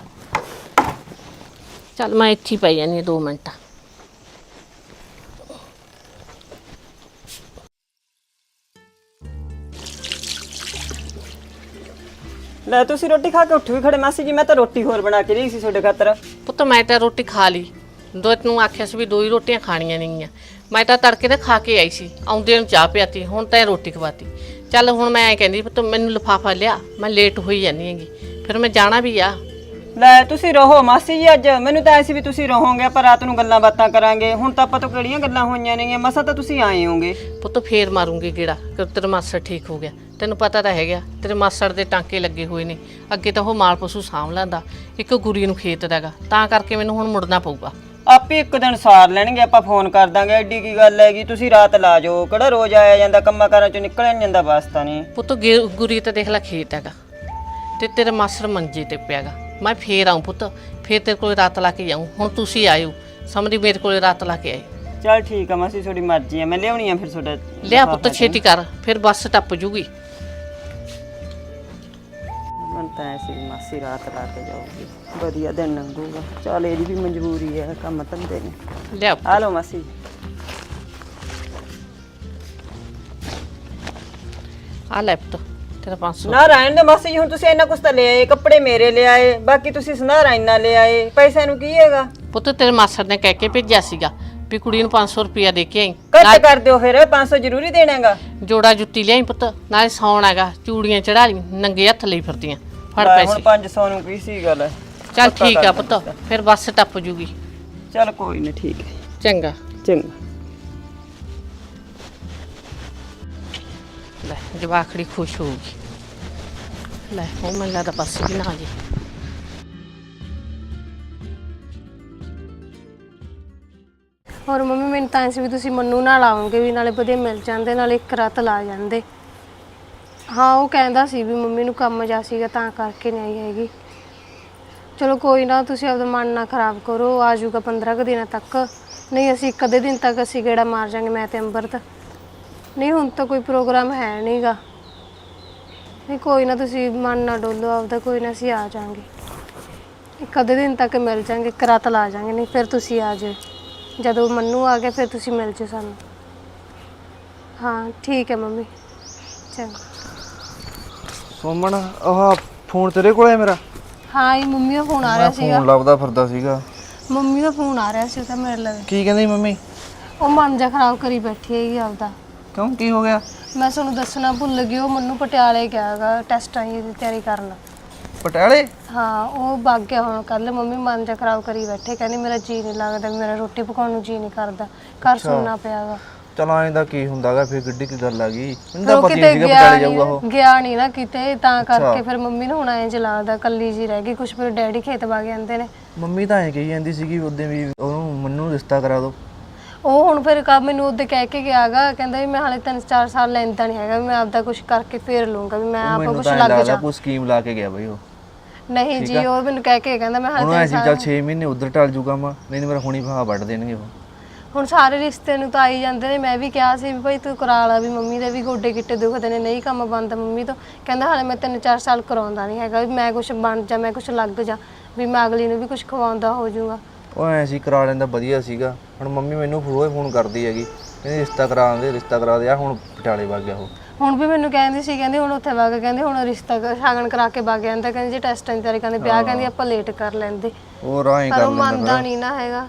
ਚੱਲ ਮੈਂ ਇੱਥੇ ਹੀ ਪਈ ਜਾਂਦੀ ਦੋ ਮਿੰਟ।
ਲੈ ਤੁਸੀਂ ਰੋਟੀ ਖਾ ਕੇ ਉੱਠ ਵੀ ਖੜੇ ਮਾਸੀ ਜੀ, ਮੈਂ ਤਾਂ ਰੋਟੀ ਹੋਰ ਬਣਾ ਕੇ ਲਈ ਸੀ ਤੁਹਾਡੇ ਖਾਤਰ।
ਪੁੱਤ ਮੈਂ ਤਾਂ ਰੋਟੀ ਖਾ ਲਈ, ਦੋ ਤੈਨੂੰ ਆਖਿਆ ਸੀ ਵੀ ਦੋ ਹੀ ਰੋਟੀਆਂ ਖਾਣੀਆਂ ਨੇਗੀਆਂ। ਮੈਂ ਤਾਂ ਤੜਕੇ ਤੇ ਖਾ ਕੇ ਆਈ ਸੀ, ਆਉਂਦੇ ਨੂੰ ਚਾਹ ਪਿਆਤੀ, ਹੁਣ ਤਾਂ ਰੋਟੀ ਖਵਾਤੀ। ਚੱਲ ਹੁਣ ਮੈਂ ਐ ਕਹਿੰਦੀ ਪੁੱਤ ਮੈਨੂੰ ਲਿਫਾਫਾ ਲਿਆ, ਮੈਂ ਲੇਟ ਹੋਈ ਜਾਂਦੀ ਹੈਗੀ, ਫਿਰ ਮੈਂ ਜਾਣਾ ਵੀ ਆ।
ਲੈ ਤੁਸੀਂ ਰਹੋ ਮਾਸੀ ਜੀ, ਅੱਜ ਮੈਨੂੰ ਤਾਂ ਐਸੀ ਵੀ ਤੁਸੀਂ ਰਹੋਗੇ, ਆਪਾਂ ਰਾਤ ਨੂੰ ਗੱਲਾਂ ਬਾਤਾਂ ਕਰਾਂਗੇ। ਹੁਣ ਤਾਂ ਆਪਾਂ ਤੋਂ ਕਿਹੜੀਆਂ ਗੱਲਾਂ ਹੋਈਆਂ ਨੇਗੀਆਂ, ਮਸਾ ਤਾਂ ਤੁਸੀਂ ਆਏ ਹੋਗੇ।
ਪੁੱਤ ਫੇਰ ਮਾਰੂੰਗੀ ਗੇੜਾ ਕਿ ਤੇਰਾ ਮਾਸੜ ਠੀਕ ਹੋ ਗਿਆ। ਤੈਨੂੰ ਪਤਾ ਤਾਂ ਹੈਗਾ ਤੇਰੇ ਮਾਸੜ ਦੇ ਟਾਂਕੇ ਲੱਗੇ ਹੋਏ ਨੇ, ਅੱਗੇ ਤਾਂ ਉਹ ਮਾਲ ਪਸ਼ੂ ਸਾਂਭ ਲੈਂਦਾ, ਇੱਕ ਗੁਰੀ ਨੂੰ ਖੇਤ ਦਾਗਾ, ਤਾਂ ਕਰਕੇ ਮੈਨੂੰ ਹੁਣ ਮੁੜਨਾ ਪਊਗਾ।
ਆਪੇ ਇੱਕ ਦਿਨ ਸਾਰ ਲੈਣਗੇ, ਆਪਾਂ ਫੋਨ ਕਰ ਦਾਂਗੇ। ਐਡੀ ਕੀ ਗੱਲ ਹੈਗੀ, ਤੁਸੀਂ ਰਾਤ ਲਾ ਜਾਓ, ਕਿਹੜਾ ਰੋਜ਼ ਆਇਆ ਜਾਂਦਾ, ਕੰਮਾਂ ਕਾਰਾਂ ਚੋਂ ਨਿਕਲਿਆ ਨੀ ਜਾਂਦਾ ਵਾਸਤਾ ਨਹੀਂ।
ਪੁੱਤ ਗੇ- ਗੁਰੀ ਤਾਂ ਦੇਖ ਲੈ ਖੇਤ ਹੈਗਾ ਤੇ ਤੇਰਾ ਮਾਸੜ ਮੰਜੇ ਤੇ ਪਿਆਗਾ। ਮੈਂ ਫੇਰ ਆਊਂ ਪੁੱਤ, ਫੇਰ ਤੇਰੇ ਕੋਲ ਰਾਤ ਲਾ ਕੇ ਜਾਊਂ। ਹੁਣ ਤੁਸੀਂ ਆਇਓ ਸਮਝੀ ਮੇਰੇ ਕੋਲ ਰਾਤ ਲਾ ਕੇ ਆਏ।
ਚੱਲ ਠੀਕ ਆ ਮਾਸੀ, ਤੁਹਾਡੀ ਮਰਜ਼ੀ ਆ, ਮੈਂ ਲਿਆਉਣੀ ਆ ਫਿਰ ਤੁਹਾਡਾ
ਲਿਆ ਪੁੱਤ ਛੇਤੀ ਕਰ, ਫਿਰ ਬੱਸ ਟੱਪ ਜੂਗੀ।
ਮਨ ਤਾਂ ਐਸੀ ਮਾਸੀ ਰਾਤ ਲਾ ਕੇ ਜਾਊਗੀ, ਵਧੀਆ ਦਿਨ ਲੰਘੂਗਾ। ਚੱਲ ਇਹਦੀ ਵੀ ਮਜਬੂਰੀ ਹੈ, ਕੰਮ ਧੰਦੇ ਨੇ।
ਲਿਆ
ਆ ਲਓ ਮਾਸੀ।
ਆ ਲੈ ਪੁੱਤ ਤੇਰਾ ਪੰਜ ਸੌ।
ਨਾ ਰਹਿਣ ਦੇ ਮਾਸੀ ਜੀ, ਹੁਣ ਤੁਸੀਂ ਇੰਨਾ ਕੁਛ ਤਾਂ ਲੈ ਆਏ, ਕੱਪੜੇ ਮੇਰੇ ਲੈ ਆਏ, ਬਾਕੀ ਤੁਸੀਂ ਸੰਧਾਰਾ ਇੰਨਾ ਲੈ ਆਏ, ਪੈਸਿਆਂ ਨੂੰ ਕੀ ਹੈਗਾ?
ਪੁੱਤ ਤੇਰੇ ਮਾਸੜ ਨੇ ਕਹਿ ਕੇ ਭੇਜਿਆ ਸੀਗਾ ਵੀ ਕੁੜੀ ਨੂੰ ਪੰਜ ਸੌ ਰੁਪਇਆ ਦੇ ਕੇ ਆਈ।
ਘੱਟ ਕਰ ਦਿਓ ਫਿਰ, ਪੰਜ ਸੌ ਜ਼ਰੂਰੀ ਦੇਣਾ ਹੈਗਾ।
ਜੋੜਾ ਜੁੱਤੀ ਲਿਆਈ ਪੁੱਤ, ਨਾਲੇ ਸੌਣ ਹੈਗਾ, ਚੂੜੀਆਂ ਚੜਾ ਲਈ, ਨੰਗੇ ਹੱਥ ਲਈ ਫਿਰਦੀਆਂ, ਫੜ
ਲੈ,
ਪੈਸੇ।
ਹੁਣ ਪੰਜ ਸੌ ਨੂੰ ਕੀ ਸੀ ਗੱਲ?
ਚੱਲ ਠੀਕ ਆ ਪੁੱਤ, ਫਿਰ ਬੱਸ ਟੱਪ ਜੂਗੀ।
ਚੱਲ ਕੋਈ ਨਹੀਂ, ਠੀਕ ਹੈ,
ਚੰਗਾ।
ਚੰਗਾ।
ਲੈ ਜਵਾਖੜੀ ਖੁਸ਼ ਹੋਊਗੀ। ਲੈ ਉਹ ਮੈਨੂੰ ਲੱਗਦਾ ਬੱਸ ਵੀ ਨਾ ਆ ਜੇ।
ਹੋਰ ਮੰਮੀ ਮੈਨੂੰ ਤਾਂ ਸੀ ਵੀ ਤੁਸੀਂ ਮੰਨੂ ਨਾਲ ਆਉਂਗੇ, ਵੀ ਨਾਲੇ ਵਧੀਆ ਮਿਲ ਜਾਂਦੇ, ਨਾਲੇ ਇੱਕ ਰਾਤ ਲਾ ਜਾਂਦੇ। ਹਾਂ ਉਹ ਕਹਿੰਦਾ ਸੀ ਵੀ ਮੰਮੀ ਨੂੰ ਕੰਮ ਜਾ ਸੀਗਾ ਤਾਂ ਕਰਕੇ ਨਹੀਂ ਆਈ ਹੈਗੀ। ਚਲੋ ਕੋਈ ਨਾ, ਤੁਸੀਂ ਆਪਦਾ ਮਨ ਨਾ ਖਰਾਬ ਕਰੋ, ਆ ਜਾਊਗਾ ਪੰਦਰਾਂ ਕੁ ਦਿਨਾਂ ਤੱਕ। ਨਹੀਂ ਅਸੀਂ ਇੱਕ ਅੱਧੇ ਦਿਨ ਤੱਕ ਅਸੀਂ ਗੇੜਾ ਮਾਰ ਜਾਂਗੇ, ਮੈਂ ਤੇ ਅੰਬਰਤ। ਨਹੀਂ ਹੁਣ ਤਾਂ ਕੋਈ ਪ੍ਰੋਗਰਾਮ ਹੈ ਨਹੀਂਗਾ। ਨਹੀਂ ਕੋਈ ਨਾ, ਤੁਸੀਂ ਮਨ ਨਾ ਡੋਲੋ ਆਪਦਾ, ਕੋਈ ਨਾ ਅਸੀਂ ਆ ਜਾਵਾਂਗੇ, ਇੱਕ ਅੱਧੇ ਦਿਨ ਤੱਕ ਮਿਲ ਜਾਂਗੇ, ਇੱਕ ਰਾਤ ਲਾ ਜਾਵਾਂਗੇ। ਨਹੀਂ ਫਿਰ ਤੁਸੀਂ ਆ ਜਾਓ, ਜਦੋਂ ਮੰਨੂ ਆ ਗਿਆ ਫਿਰ ਤੁਸੀਂ ਮਿਲ ਜਾਓ ਸਾਨੂੰ। ਹਾਂ ਠੀਕ ਹੈ ਮੰਮੀ, ਚੰਗਾ।
ਸੁਮਨ ਆਹ ਫੋਨ ਤੇਰੇ ਕੋਲ ਹੈ ਮੇਰਾ?
ਹਾਂ ਇਹ ਮੰਮੀ ਦਾ ਫੋਨ ਆ ਰਿਹਾ ਸੀਗਾ।
ਫੋਨ ਲੱਭਦਾ ਫਿਰਦਾ ਸੀਗਾ।
ਮੰਮੀ ਦਾ ਫੋਨ ਆ ਰਿਹਾ ਸੀ, ਉਹ ਤਾਂ ਮੇਰੇ ਲਈ।
ਕੀ ਕਹਿੰਦੀ ਮੰਮੀ?
ਉਹ ਮਨ ਜਾ ਖਰਾਬ ਕਰੀ ਬੈਠੀ ਹੈਗੀ ਆਪਦਾ।
ਕਿਉਂ, ਕੀ ਹੋ ਗਿਆ?
ਮੈਂ ਤੁਹਾਨੂੰ ਦੱਸਣਾ ਭੁੱਲ ਗਈ, ਉਹ ਮੈਨੂੰ ਪਟਿਆਲੇ ਗਿਆ ਹੈਗਾ ਟੈਸਟਾਂ ਦੀ ਤਿਆਰੀ ਕਰਨ।
ਪਟਿਆਲੇ?
ਹਾਂ ਉਹ ਵਗ ਗਿਆ ਹੁਣ ਕੱਲ। ਮੰਮੀ ਮਨ ਜਾ ਖਰਾਬ ਕਰੀ ਬੈਠੇ, ਕਹਿੰਦੀ ਮੇਰਾ ਜੀ ਨਹੀਂ ਲੱਗਦਾ, ਮੇਰਾ ਰੋਟੀ ਪਕਾਉਣ ਨੂੰ ਜੀ ਨਹੀਂ ਕਰਦਾ, ਘਰ ਸੁਣਨਾ ਪਿਆ ਗਾ।
ਚਲ ਐਂ ਦਾ ਕੀ ਹੁੰਦਾਗਾ, ਫਿਰ ਗੱਡੀ ਕੀ ਗੱਲ ਆ ਗਈ, ਮੈਨੂੰ
ਫਿਰ
ਤਾਂ
ਉਹ
ਪਤਾ
ਕਿਤੇ
ਹੀ ਸੀਗਾ
ਗਿਆ
ਪਟਿਆਲੇ ਜਾਊਗਾ ਉਹ।
ਨਹੀਂ ਗਿਆ ਨਹੀਂ ਨਾ ਕਿਤੇ, ਤਾਂ ਕਰਕੇ ਫਿਰ ਮੰਮੀ ਨੂੰ ਹੁਣ ਐਂ ਜਲਾਦਾ, ਕੱਲੀ ਜੀ ਰਹਿ ਗਈ। ਕੁਛ ਫਿਰ ਡੈਡੀ ਖੇਤ ਵਗ ਜਾਂਦੇ ਨੇ।
ਮੰਮੀ ਤਾਂ ਐਂ ਕਹੀ ਜਾਂਦੀ ਸੀਗੀ ਉਦੋਂ ਵੀ ਉਹਨੂੰ ਮੰਨੂ ਰਿਸ਼ਤਾ ਕਰਾ ਦੋ।
ਉਹ ਹੁਣ ਫਿਰ ਕਾ ਮੈਨੂੰ ਉਹਦੇ ਕਹਿ ਕੇ ਗਿਆਗਾ, ਕਹਿੰਦਾ ਵੀ ਮੈਂ ਹਾਲੇ ਤਿੰਨ ਚਾਰ ਸਾਲ ਲੈਂਦਾ ਨਹੀਂ ਹੈਗਾ, ਵੀ ਮੈਂ ਆਪਦਾ ਕੁਛ ਕਰਕੇ ਫੇਰ ਲੂੰਗਾ, ਵੀ ਮੈਂ ਆਪਾ ਕੁਛ ਲੱਗ ਜਾ।
ਕੋਈ ਸਕੀਮ ਲਾ ਕੇ ਗਿਆ ਬਈ ਉਹ।
ਨਹੀਂ ਜੀ ਉਹ ਮੈਨੂੰ ਕਹਿ ਕੇ ਕਹਿੰਦਾ ਮੈਂ ਹਾਲੇ
ਉਹਨੂੰ ਐਸੀ ਚੱਲ ਛੇ ਮਹੀਨੇ ਉਧਰ ਟਲ ਜੂਗਾ ਮੈਂ, ਨਹੀਂ ਮੇਰਾ ਹੁਣੀ ਫਾਹਾ ਵੱਢ ਦੇਣਗੇ ਉਹ।
ਹੁਣ ਸਾਰੇ ਰਿਸ਼ਤੇ ਨੂੰ ਤਾਂ ਆਈ ਜਾਂਦੇ ਨੇ। ਮੈਂ ਵੀ ਕਿਹਾ ਸੀ ਵੀ ਭਾਈ ਤੂੰ ਕਰਾ ਲਾ, ਵੀ ਮੰਮੀ ਦੇ ਵੀ ਗੋਡੇ ਗਿੱਟੇ ਦੁਖਦੇ ਨੇ, ਨਹੀਂ ਕੰਮ ਬਣਦਾ ਮੰਮੀ ਤੋਂ। ਕਹਿੰਦਾ ਹਾਲੇ ਮੈਂ ਤਿੰਨ ਚਾਰ ਸਾਲ ਕਰਾਉਂਦਾ ਨਹੀਂ ਹੈਗਾ, ਵੀ ਮੈਂ ਕੁਛ ਬਣ ਜਾ, ਮੈਂ ਕੁਛ ਲੱਗ ਜਾ, ਵੀ ਮੈਂ ਅਗਲੀ ਨੂੰ ਵੀ ਕੁਛ ਖਵਾਉਂਦਾ ਹੋ ਜਾਊਗਾ।
ਉਹ ਐ ਸੀ ਕਰਾ ਲੈਂਦਾ ਵਧੀਆ ਸੀਗਾ। ਹੁਣ ਮੰਮੀ ਮੈਨੂੰ ਰੋਜ਼ ਫੋਨ ਕਰਦੀ ਹੈਗੀ, ਕਹਿੰਦੀ ਰਿਸ਼ਤਾ ਕਰਾ ਦੇ, ਰਿਸ਼ਤਾ ਕਰਾ ਦੇ। ਆ ਹੁਣ ਪਟਿਆਲੇ ਵਗ ਗਿਆ ਉਹ।
ਹੁਣ ਵੀ ਮੈਨੂੰ ਕਹਿੰਦੀ ਸੀ, ਕਹਿੰਦੀ ਹੁਣ ਉੱਥੇ ਵਗ, ਕਹਿੰਦੀ ਹੁਣ ਰਿਸ਼ਤਾ ਸ਼ਗਨ ਕਰਾ ਕੇ ਵਗ ਜਾਂਦਾ, ਕਹਿੰਦੀ ਜੇ ਟੈਸਟਾਂ ਦੀ ਤਿਆਰੀ ਕਰਦੇ ਵਿਆਹ, ਕਹਿੰਦੀ ਆਪਾਂ ਲੇਟ ਕਰ ਲੈਂਦੇ।
ਉਹ ਰਾਹੀਂ
ਪਰ
ਕਰ
ਉਹ
ਲੈਂਦਾ
ਮੰਨਦਾ ਨਹੀਂ ਨਾ ਹੈਗਾ।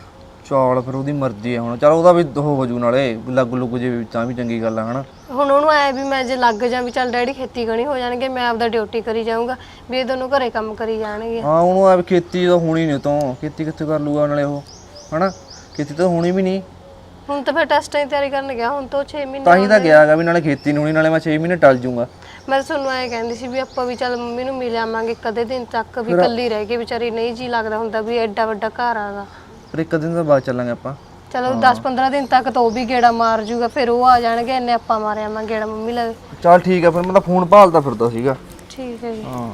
ਚੌਲ ਫਿਰ ਉਹਦੀ ਮਰਜ਼ੀ ਹੈ ਹੁਣ। ਚਲ ਉਹਦਾ ਵੀ ਹੋ ਵਜੂ, ਨਾਲੇ ਲੱਗ ਲੁੱਗ ਜੇ ਤਾਂ ਵੀ ਚੰਗੀ ਗੱਲ ਆ ਹਨਾ।
ਹੁਣ ਉਹਨੂੰ ਐ ਵੀ ਮੈਂ ਜੇ ਲੱਗ ਜਾ ਵੀ ਚੱਲ ਡੈਡੀ ਖੇਤੀ ਗਣੀ ਹੋ ਜਾਣਗੇ, ਮੈਂ ਆਪਦਾ ਡਿਊਟੀ ਕਰੀ ਜਾਊਂਗਾ, ਵੀ ਇਹ ਦੋਨੋਂ ਘਰੇ ਕੰਮ ਕਰੀ ਜਾਣਗੇ।
ਹਾਂ ਉਹਨੂੰ ਆ ਵੀ ਖੇਤੀ ਤਾਂ ਹੋਣੀ ਨਹੀਂ, ਤੋਂ ਖੇਤੀ ਕਿੱਥੇ ਕਰ ਲੂਗਾ ਨਾਲੇ ਉਹ ਹਨਾ, ਖੇਤੀ ਤਾਂ ਹੋਣੀ ਵੀ ਨਹੀਂ।
ਹੁਣ ਤਾਂ ਫਿਰ ਟੈਸਟਾਂ ਦੀ ਤਿਆਰੀ ਕਰਨ ਗਿਆ, ਹੁਣ ਤੋਂ ਛੇ ਮਹੀਨੇ
ਤਾਂ ਹੀ ਤਾਂ ਗਿਆ ਹੈਗਾ ਵੀ ਨਾਲੇ ਖੇਤੀ ਨੂੰ ਹੋਣੀ, ਨਾਲੇ ਮੈਂ ਛੇ ਮਹੀਨੇ ਟਲ ਜੂੰਗਾ।
ਮੈਂ ਤੁਹਾਨੂੰ ਐ ਕਹਿੰਦੀ ਸੀ ਵੀ ਆਪਾਂ ਵੀ ਚੱਲ ਮੰਮੀ ਨੂੰ ਮਿਲ ਆਵਾਂਗੇ ਕਦੇ ਦਿਨ ਤੱਕ, ਵੀ ਇਕੱਲੀ ਰਹਿ ਕੇ ਵਿਚਾਰੀ ਨਹੀਂ ਜੀ ਲੱਗਦਾ ਹੁੰਦਾ, ਵੀ ਐਡਾ ਵੱਡਾ ਘਰ ਆਗਾ।
ਫਿਰ ਇੱਕ ਦਿਨ ਤੋਂ ਬਾਅਦ ਚੱਲਾਂਗੇ ਆਪਾਂ।
ਚਲੋ ਦਸ ਪੰਦਰਾਂ ਦਿਨ ਤੱਕ ਤਾਂ ਉਹ ਵੀ ਗੇੜਾ ਮਾਰ ਜੂਗਾ, ਫਿਰ ਉਹ ਆ ਜਾਣਗੇ, ਇੰਨੇ ਆਪਾਂ ਮਾਰਿਆ ਆਵਾਂਗੇ ਗੇੜਾ ਮੰਮੀ ਲਵੇ।
ਚੱਲ ਠੀਕ ਆ, ਫਿਰ ਮੈਂ ਤਾਂ ਫੋਨ ਭਾਲਦਾ ਫਿਰਦਾ ਸੀਗਾ।
ਠੀਕ ਹੈ ਜੀ।
ਹਾਂ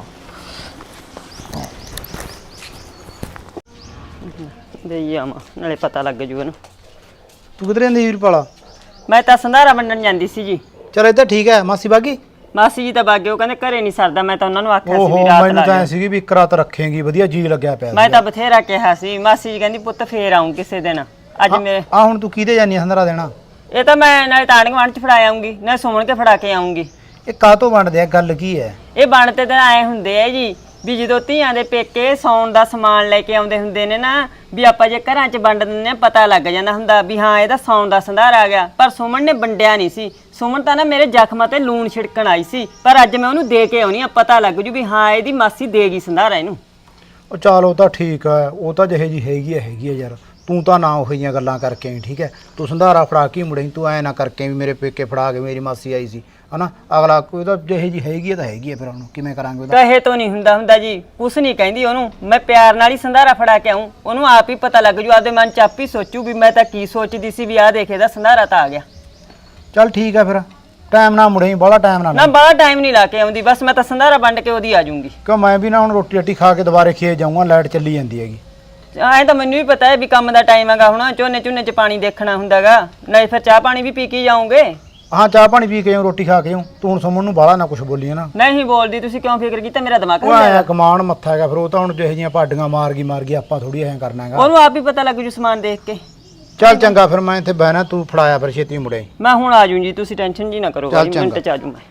ਦੇਈ ਆਵਾਂ, ਨਾਲੇ ਪਤਾ ਲੱਗ ਜੂ ਇਹਨੂੰ।
ਤੂੰ ਕਿਧਰੇ ਜਾਂਦੀ ਵੀਰਪਾਲਾ?
ਮੈਂ ਤਾਂ ਸੰਧਾਰਾ ਵੰਡਣ ਜਾਂਦੀ ਸੀ ਜੀ।
ਚਲ ਇਹ ਤਾਂ ਠੀਕ ਹੈ। ਮਾਸੀ ਬਾਗੀ?
ਮਾਸੀ ਜੀ ਤਾਂ ਬਾਗੇ, ਉਹ ਕਹਿੰਦੇ ਘਰੇ ਨਹੀਂ ਸਰਦਾ। ਮੈਂ ਤਾਂ ਉਹਨਾਂ ਨੂੰ ਆਖਿਆ ਸੀ
ਓਹੋ
ਵੀ ਰਾਤ
ਮੈਨੂੰ
ਲਾ
ਤਾਂ ਐ
ਜਾਓ।
ਸੀਗੀ ਵੀ ਇੱਕ ਰਾਤ ਰੱਖੇਂਗੀ, ਵਧੀਆ ਜੀ ਲੱਗਿਆ ਪਿਆ
ਮੈਂ ਤਾਂ ਬਥੇਰਾ ਕਿਹਾ ਸੀ। ਮਾਸੀ ਜੀ ਕਹਿੰਦੀ ਪੁੱਤ ਫੇਰ ਆਉਂ ਕਿਸੇ ਦਿਨ। ਅੱਜ ਮੇਰੇ
ਆ ਹੁਣ ਤੂੰ ਕਿਹਦੇ ਜਾਨੀ ਸੰਧਾਰਾ ਦੇਣਾ?
ਇਹ ਤਾਂ ਮੈਂ ਨਾਲੇ ਤਾਣ ਗਵਾਂਢ ਚ ਫੜਾ ਆਉਂਗੀ, ਨਾ ਸੁਣ ਕੇ ਫੜਾ ਕੇ ਆਉਂਗੀ।
ਇਹ ਕਾਹਤੋਂ ਵੰਡਦੇ ਆ, ਗੱਲ ਕੀ ਹੈ?
ਇਹ ਬਣਤੇ ਤਾਂ ਐ ਹੁੰਦੇ ਆ ਜੀ ਵੀ ਜਦੋਂ ਧੀਆਂ ਦੇ ਪੇਕੇ ਸੌਣ ਦਾ ਸਮਾਨ ਲੈ ਕੇ ਆਉਂਦੇ ਹੁੰਦੇ ਨੇ ਨਾ, ਵੀ ਆਪਾਂ ਜੇ ਘਰਾਂ 'ਚ ਵੰਡ ਦਿੰਦੇ ਆ ਪਤਾ ਲੱਗ ਜਾਂਦਾ ਹੁੰਦਾ ਵੀ ਹਾਂ ਇਹਦਾ ਸੌਣ ਦਾ ਸੰਧਾਰ ਆ ਗਿਆ। ਪਰ ਸੁਮਨ ਨੇ ਵੰਡਿਆ ਨਹੀਂ ਸੀ। ਸੁਮਨ ਤਾਂ ਨਾ ਮੇਰੇ ਜ਼ਖਮਾਂ ਤੇ ਲੂਣ ਛਿੜਕਣ ਆਈ ਸੀ, ਪਰ ਅੱਜ ਮੈਂ ਉਹਨੂੰ ਦੇ ਕੇ ਆਉਣੀ ਆ, ਪਤਾ ਲੱਗ ਜੂ ਵੀ ਹਾਂ ਇਹਦੀ ਮਾਸੀ ਦੇਗੀ ਸੰਧਾਰਾ ਇਹਨੂੰ।
ਉਹ ਚੱਲ ਉਹ ਤਾਂ ਠੀਕ ਹੈ, ਉਹ ਤਾਂ ਜਿਹੇ ਜੀ ਹੈਗੀ ਹੈ ਹੈਗੀ ਹੈ ਯਾਰ। ਤੂੰ ਤਾਂ ਨਾ ਉਹੋ ਜਿਹੀਆਂ ਗੱਲਾਂ ਕਰਕੇ ਆਈ, ਠੀਕ ਹੈ। ਤੂੰ ਸੰਧਾਰਾ ਫੜਾ ਕੇ ਮੁੜੇਂ, ਤੂੰ ਐ ਨਾ ਕਰਕੇ ਵੀ ਮੇਰੇ ਪੇਕੇ ਫੜਾ ਕੇ ਮੇਰੀ ਮਾਸੀ ਆਈ ਸੀ ਹਨਾ। ਅਗਲਾ ਕੋਈ ਤਾਂ ਜਿਹੇ ਜੀ ਹੈਗੀ ਹੈ ਤਾਂ ਹੈਗੀ ਹੈ, ਫਿਰ ਉਹਨੂੰ ਕਿਵੇਂ ਕਰਾਂਗੇ ਉਹਦਾ।
ਕਹੇ ਤੋਂ ਨਹੀਂ ਹੁੰਦਾ ਹੁੰਦਾ ਜੀ, ਕੁਛ ਨਹੀਂ ਕਹਿੰਦੀ ਉਹਨੂੰ। ਮੈਂ ਪਿਆਰ ਨਾਲ ਹੀ ਸੰਧਾਰਾ ਫੜਾ ਕੇ ਆऊं, ਉਹਨੂੰ ਆਪ ਹੀ ਪਤਾ ਲੱਗ ਜੂ, ਆਪਦੇ ਮਨ ਚ ਆਪ ਹੀ ਸੋਚੂ ਵੀ ਮੈਂ ਤਾਂ ਕੀ ਸੋਚਦੀ ਸੀ ਵੀ ਆਹ ਦੇਖੇ ਦਾ ਸੰਧਾਰਾ ਤਾਂ ਆ ਗਿਆ।
ਚੱਲ ਠੀਕ ਹੈ ਫਿਰ, ਟਾਈਮ ਨਾਲ ਮੁੜੇਂ, ਬਾਹਲਾ ਟਾਈਮ ਨਾ
ਨਾ ਬਾਹਰ ਟਾਈਮ ਨਹੀਂ ਲਾ ਕੇ ਆਉਂਦੀ, ਬਸ ਮੈਂ ਤਾਂ ਸੰਧਾਰਾ ਵੰਡ ਕੇ ਉਹਦੀ ਆ ਜਾਊਂਗੀ।
ਕਿਉਂ ਮੈਂ ਵੀ ਨਾ ਹੁਣ ਰੋਟੀ ਰੱਟੀ ਖਾ ਕੇ ਦੁਬਾਰੇ ਖੇਤ ਜਾਊਂਗਾ, ਲਾਈਟ ਚੱਲੀ ਜਾਂਦੀ ਹੈਗੀ।
ਐਂ ਤਾਂ ਮੈਨੂੰ ਵੀ ਪਤਾ ਹੈ ਵੀ ਕੰਮ ਦਾ ਟਾਈਮ ਹੈਗਾ, ਹੁਣ ਝੋਨੇ ਝੋਨੇ ਚ ਪਾਣੀ ਦੇਖਣਾ ਹੁੰਦਾਗਾ, ਨਹੀਂ ਫਿਰ ਚਾਹ ਪਾਣੀ ਵੀ ਪੀ ਕੇ ਜਾਓਗੇ।
ਹਾਂ ਚਾਹ ਪਾਣੀ ਪੀ ਕੇ ਆਊਂ, ਰੋਟੀ ਖਾ ਕੇ ਆਊਂ। ਤੂੰ ਹੁਣ ਸੁਮਨ ਨੂੰ ਬਾਹਲਾ ਨਾ ਕੁਛ ਬੋਲੀ ਹੈ ਨਾ।
ਨਹੀਂ ਬੋਲਦੀ, ਤੁਸੀਂ ਕਿਉਂ ਫਿਕਰ ਕੀਤਾ, ਮੇਰਾ ਦਿਮਾਗ
ਉਹ ਆਇਆ ਕਮਾਨ ਮੱਥਾ ਹੈਗਾ, ਫਿਰ ਉਹ ਤਾਂ ਹੁਣ ਜਿਹੇ ਜਿਹੀਆਂ ਪਾਡੀਆਂ ਮਾਰ ਗਈ ਮਾਰ ਗਈ, ਆਪਾਂ ਥੋੜੀ ਐਂ ਕਰਨਾ ਹੈਗਾ।
ਉਹਨੂੰ ਆਪ ਹੀ ਪਤਾ ਲੱਗ ਜੂ ਸਮਾਨ ਦੇਖ ਕੇ।
ਚੱਲ ਚੰਗਾ ਫਿਰ, ਮੈਂ ਇੱਥੇ ਬਹਿਣਾ, ਤੂੰ ਫੜਾਇਆ ਫਿਰ ਛੇਤੀ ਮੁੜੇ।
ਮੈਂ ਹੁਣ ਆ ਜੂ ਜੀ, ਤੁਸੀਂ ਟੈਨਸ਼ਨ ਜੀ ਨਾ ਕਰੋ,
ਚੱਲ
ਬਾਈ ਮਿੰਟ ਚ ਆ ਜੂ ਮੈਂ।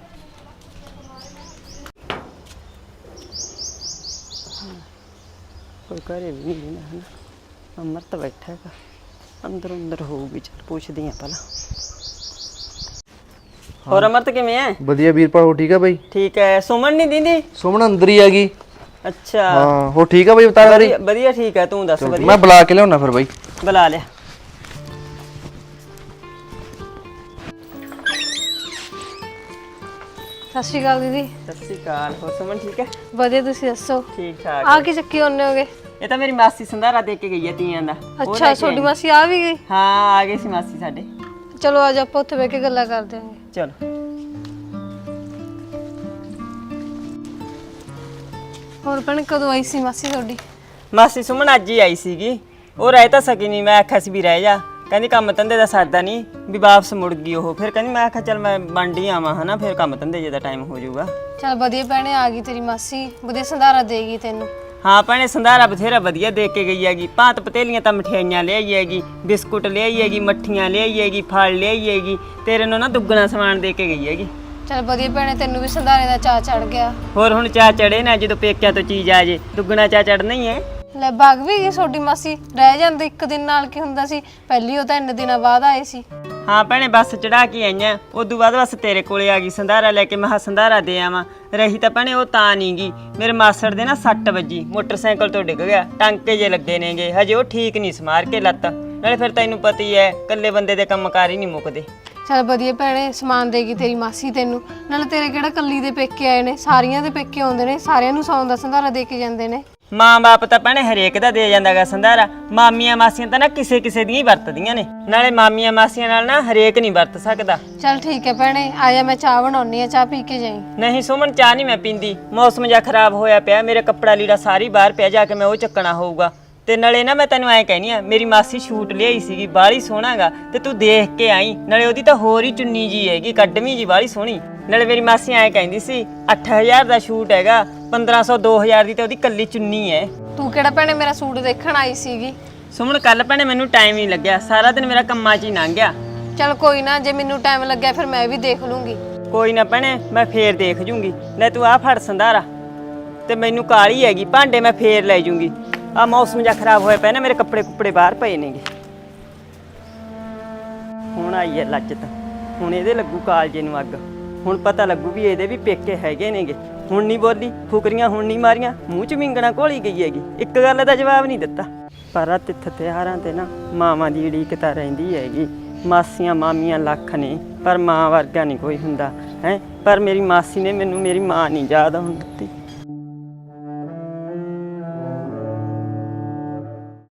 ਕੋਈ ਘਰੇ ਵੀ ਨਹੀਂ ਨਾ ਹਨਾ, ਅਮਰਤ ਬੈਠਾ ਹੈਗਾ ਅੰਦਰ ਅੰਦਰ ਹੋਊਗੀ। ਚੱਲ ਪੁੱਛਦੀ ਆ ਪਹਿਲਾਂ। ਹੋਰ ਅਮਰਤ ਕਿਵੇਂ ਐ?
ਵਧੀਆ ਵੀਰਪਾਲ, ਹੋ ਠੀਕ ਆ ਬਾਈ?
ਠੀਕ ਹੈ। ਸੁਮਨ ਨਹੀਂ ਦਿੰਦੀ?
ਸੁਮਨ ਅੰਦਰ ਹੀ ਆ ਗਈ।
ਅੱਛਾ
ਹਾਂ ਹੋ ਠੀਕ ਆ ਬਾਈ, ਬਤਾ ਵਾਰੀ?
ਵਧੀਆ ਵਧੀਆ ਠੀਕ ਹੈ, ਤੂੰ ਦੱਸ। ਵਧੀਆ,
ਮੈਂ ਬੁਲਾ ਕੇ ਲਿਆਉਣਾ ਫਿਰ ਬਾਈ।
ਬੁਲਾ ਲਿਆ।
ਸਤਿ ਸ਼੍ਰੀ ਅਕਾਲ ਦੀਦੀ।
ਸਤਿ ਸ਼੍ਰੀ ਅਕਾਲ। ਹੋਰ ਸੁਮਨ ਠੀਕ ਹੈ?
ਵਧੀਆ, ਤੁਸੀਂ ਦੱਸੋ?
ਠੀਕ ਠਾਕ।
ਆ ਕੀ ਚੱਕੀ ਹੁੰਨੇ ਹੋਗੇ?
ਇਹ ਤਾਂ ਮੇਰੀ ਮਾਸੀ ਸੰਧਾਰਾ ਦੇ ਕੇ ਗਈ ਹੈ ਤੀਆਂ ਦਾ। ਉਹ
ਅੱਛਾ,
ਲੈ ਕੇ
ਤੁਹਾਡੀ
ਆਈ।
ਮਾਸੀ ਆ ਵੀ ਗਈ?
ਹਾਂ ਆ ਗਈ ਸੀ ਮਾਸੀ ਸਾਡੇ।
ਚਲੋ ਅੱਜ ਆਪਾਂ ਉੱਥੇ ਬਹਿ ਕੇ ਗੱਲਾਂ ਕਰਦੇ ਆਂਗੇ।
ਚਲੋ।
ਹੋਰ ਭੈਣ ਕਦੋਂ ਆਈ ਸੀ ਮਾਸੀ ਤੁਹਾਡੀ?
ਮਾਸੀ ਸੁਮਨ ਅੱਜ ਹੀ ਆਈ ਸੀਗੀ। ਉਹ ਰਹਿ ਤਾਂ ਸਕੀ ਨਹੀਂ, ਮੈਂ ਆਖਿਆ ਸੀ ਵੀ ਰਹਿ ਜਾ, ਕਹਿੰਦੀ ਕੰਮ ਧੰਦੇ ਦਾ ਸਰਦਾ ਨਹੀਂ, ਵੀ ਵਾਪਸ ਮੁੜ ਗਈ ਉਹ। ਫਿਰ ਕਹਿੰਦੀ ਮੈਂ ਆਖਿਆ ਚੱਲ ਮੈਂ ਵੰਡ ਹੀ ਆਵਾਂ ਹਨਾ, ਫਿਰ ਕੰਮ ਧੰਦੇ ਜੇ ਦਾ ਟਾਈਮ ਹੋ ਜਾਊਗਾ।
ਚਲ ਵਧੀਆ ਭੈਣੇ, ਆ ਗਈ ਤੇਰੀ ਮਾਸੀ, ਵਧੀਆ ਸੰਧਾਰਾ ਦੇਗੀ ਤੈਨੂੰ।
ਹਾਂ ਭੈਣੇ ਸੰਧਾਰਾ ਬਥੇਰਾ ਵਧੀਆ ਦੇ ਕੇ ਗਈ ਹੈਗੀ। ਭਾਂਤ ਪਤੇਲੀਆਂ ਤਾਂ ਮਠਿਆਈਆਂ ਲਿਆਈ ਹੈਗੀ, ਬਿਸਕੁਟ ਲਿਆਈ ਹੈਗੀ, ਮੱਠੀਆਂ ਲਿਆਈ ਹੈਗੀ, ਫਲ ਲਿਆਈ ਹੈਗੀ, ਤੇਰੇ ਨੂੰ ਨਾ ਦੁੱਗਣਾ ਸਮਾਨ ਦੇ ਕੇ ਗਈ ਹੈਗੀ।
ਚਲ ਵਧੀਆ ਭੈਣੇ, ਤੈਨੂੰ ਵੀ ਸੰਧਾਰੇ ਦਾ ਚਾਅ ਚੜ ਗਿਆ।
ਹੋਰ ਹੁਣ ਚਾਹ ਚੜੇ ਨਾ, ਜਦੋਂ ਪੇਕਿਆਂ ਤੋਂ ਚੀਜ਼ ਆ ਜੇ ਦੁੱਗਣਾ ਚਾਹ ਚੜਨਾ ਹੀ ਹੈ।
ਲੈ ਭਾਗ ਵੀ ਗਈ ਤੁਹਾਡੀ ਮਾਸੀ, ਰਹਿ ਜਾਂਦੇ ਇੱਕ ਦਿਨ ਨਾਲ ਕੀ ਹੁੰਦਾ ਸੀ, ਪਹਿਲੀ ਉਹ ਤਾਂ ਇੰਨੇ ਦਿਨਾਂ ਬਾਅਦ ਆਏ ਸੀ।
ਹਾਂ ਭੈਣੇ ਬੱਸ ਚੜਾ ਕੇ ਆਈਆਂ, ਉਦੋਂ ਬਾਅਦ ਬਸ ਤੇਰੇ ਕੋਲੇ ਆ ਗਈ ਸੰਧਾਰਾ ਲੈ ਕੇ। ਮੈਂ ਕਿਹਾ ਸੰਧਾਰਾ ਦੇ ਆਵਾਂ। ਰਹੀ ਤਾਂ ਭੈਣੇ ਉਹ ਤਾਂ ਨਹੀਂ ਗਈ, ਮੇਰੇ ਮਾਸੜ ਦੇ ਨਾ ਸੱਟ ਵੱਜੀ, ਮੋਟਰਸਾਈਕਲ ਤੋਂ ਡਿੱਗ ਗਿਆ, ਟਾਂਕੇ ਜੇ ਲੱਗੇ ਨੇਗੇ, ਹਜੇ ਉਹ ਠੀਕ ਨਹੀਂ ਸਮਾਰ ਕੇ ਲੱਤ। ਨਾਲੇ ਫਿਰ ਤੈਨੂੰ ਪਤਾ ਹੀ ਹੈ ਇਕੱਲੇ ਬੰਦੇ ਦੇ ਕੰਮਕਾਰ ਹੀ ਨਹੀਂ ਮੁੱਕਦੇ।
ਚਲ ਵਧੀਆ ਭੈਣੇ, ਸਮਾਨ ਦੇਗੀ ਤੇਰੀ ਮਾਸੀ ਤੈਨੂੰ। ਨਾਲੇ ਤੇਰੇ ਕਿਹੜਾ ਕੱਲੀ ਦੇ ਪੇਕੇ ਆਏ ਨੇ, ਸਾਰੀਆਂ ਦੇ ਪੇਕੇ ਆਉਂਦੇ ਨੇ, ਸਾਰਿਆਂ ਨੂੰ ਸੌਣ ਦਾ ਸੰਧਾਰਾ ਦੇ ਕੇ ਜਾਂਦੇ ਨੇ।
ਮਾਂ ਬਾਪ ਤਾਂ ਭੈਣੇ ਹਰੇਕ ਦਾ ਦੇ ਜਾਂਦਾਗਾ ਸੰਧਾਰਾ, ਮਾਮੀਆਂ ਮਾਸੀਆਂ ਤਾਂ ਨਾ ਕਿਸੇ ਕਿਸੇ ਦੀਆਂ ਹੀ ਵਰਤਦੀਆਂ ਨੇ। ਨਾਲੇ ਮਾਮੀਆਂ ਮਾਸੀਆਂ ਨਾਲ ਨਾ ਹਰੇਕ ਨਹੀਂ ਵਰਤ ਸਕਦਾ।
ਚਲ ਠੀਕ ਹੈ ਭੈਣੇ, ਆਜਾ ਮੈਂ ਚਾਹ ਬਣਾਉਣੀ ਆ, ਚਾਹ ਪੀ ਕੇ ਜਾਈ।
ਨਹੀਂ ਸੁਮਨ ਚਾਹ ਨਹੀਂ ਮੈਂ ਪੀਂਦੀ, ਮੌਸਮ ਜਿਹਾ ਖਰਾਬ ਹੋਇਆ ਪਿਆ, ਮੇਰੇ ਕੱਪੜਾ ਲੀੜਾ ਸਾਰੀ ਬਾਹਰ ਪਿਆ, ਜਾ ਕੇ ਮੈਂ ਉਹ ਚੱਕਣਾ ਹੋਊਗਾ। ਤੇ ਨਾਲੇ ਨਾ ਮੈਂ ਤੈਨੂੰ ਐਂ ਕਹਿਨੀ ਆ, ਮੇਰੀ ਮਾਸੀ ਸ਼ੂਟ ਲਿਆਈ ਸੀਗੀ, ਬਾਹਲੀ ਸੋਹਣਾਗਾ, ਤੇ ਤੂੰ ਦੇਖ ਕੇ ਆਈ। ਨਾਲੇ ਉਹਦੀ ਤਾਂ ਹੋਰ ਹੀ ਚੁੰਨੀ ਜੀ ਹੈਗੀ, ਕੱਢਵੀਂ ਜੀ ਬਾਹਲੀ ਸੋਹਣੀ। ਨਾਲੇ ਮੇਰੀ ਮਾਸੀ ਐਂ ਕਹਿੰਦੀ ਸੀ ਅੱਠ ਹਜ਼ਾਰ ਦਾ ਸ਼ੂਟ ਹੈਗਾ, ਪੰਦਰਾਂ ਸੌ ਦੋ ਹਜ਼ਾਰ ਦੀ ਤੇ ਉਹਦੀ ਕੱਲੀ ਚੁੰਨੀ ਹੈ।
ਤੂੰ ਕਿਹੜਾ ਭੈਣੇ ਮੇਰਾ ਸੂਟ ਦੇਖਣ ਆਈ ਸੀਗੀ?
ਸੁਮਨ ਕੱਲ ਭੈਣੇ ਮੈਨੂੰ ਟਾਈਮ ਨਹੀਂ ਲੱਗਿਆ, ਸਾਰਾ ਦਿਨ ਮੇਰਾ ਕੰਮਾਂ 'ਚ ਹੀ ਲੰਘ ਗਿਆ।
ਚਲ ਕੋਈ ਨਾ, ਜੇ ਮੈਨੂੰ ਟਾਈਮ ਲੱਗਿਆ ਫਿਰ ਮੈਂ ਵੀ ਦੇਖ ਲੂੰਗੀ।
ਕੋਈ ਨਾ ਭੈਣੇ, ਮੈਂ ਫੇਰ ਦੇਖ ਜੂੰਗੀ। ਲੈ ਤੂੰ ਆਹ ਫੜ ਸੰਧਾਰਾ, ਤੇ ਮੈਨੂੰ ਕਾਲੀ ਹੈਗੀ, ਭਾਂਡੇ ਮੈਂ ਫੇਰ ਲੈ ਜੂੰਗੀ। ਆ ਮੌਸਮ ਜਿਹਾ ਖਰਾਬ ਹੋਇਆ ਪਿਆ ਨਾ, ਮੇਰੇ ਕੱਪੜੇ ਕੁੱਪੜੇ ਬਾਹਰ ਪਏ ਨੇਗੇ। ਹੁਣ ਆਈ ਹੈ ਲੱਜਤ, ਹੁਣ ਇਹਦੇ ਲੱਗੂ ਕਾਲਜੇ ਨੂੰ ਅੱਗ। ਹੁਣ ਪਤਾ ਲੱਗੂ ਵੀ ਇਹਦੇ ਵੀ ਪੇਕੇ ਹੈਗੇ ਨੇਗੇ। ਹੁਣ ਨਹੀਂ ਬੋਲੀ, ਫੁਕਰੀਆਂ ਹੁਣ ਨਹੀਂ ਮਾਰੀਆਂ, ਮੂੰਹ 'ਚ ਵਿੰਗਣਾ ਘੋਲੀ ਗਈ ਹੈਗੀ, ਇੱਕ ਗੱਲ ਦਾ ਜਵਾਬ ਨਹੀਂ ਦਿੱਤਾ। ਪਰ ਆ ਤਿੱਥ ਤਿਉਹਾਰਾਂ ਤੇ ਨਾ ਮਾਵਾਂ ਦੀ ਉਡੀਕ ਤਾਂ ਰਹਿੰਦੀ ਹੈਗੀ। ਮਾਸੀਆਂ ਮਾਮੀਆਂ ਲੱਖ ਨੇ, ਪਰ ਮਾਂ ਵਰਗਾ ਨਹੀਂ ਕੋਈ ਹੁੰਦਾ ਹੈ। ਪਰ ਮੇਰੀ ਮਾਸੀ ਨੇ ਮੈਨੂੰ ਮੇਰੀ ਮਾਂ ਨਹੀਂ ਯਾਦ ਆਉਣ ਦਿੱਤੀ।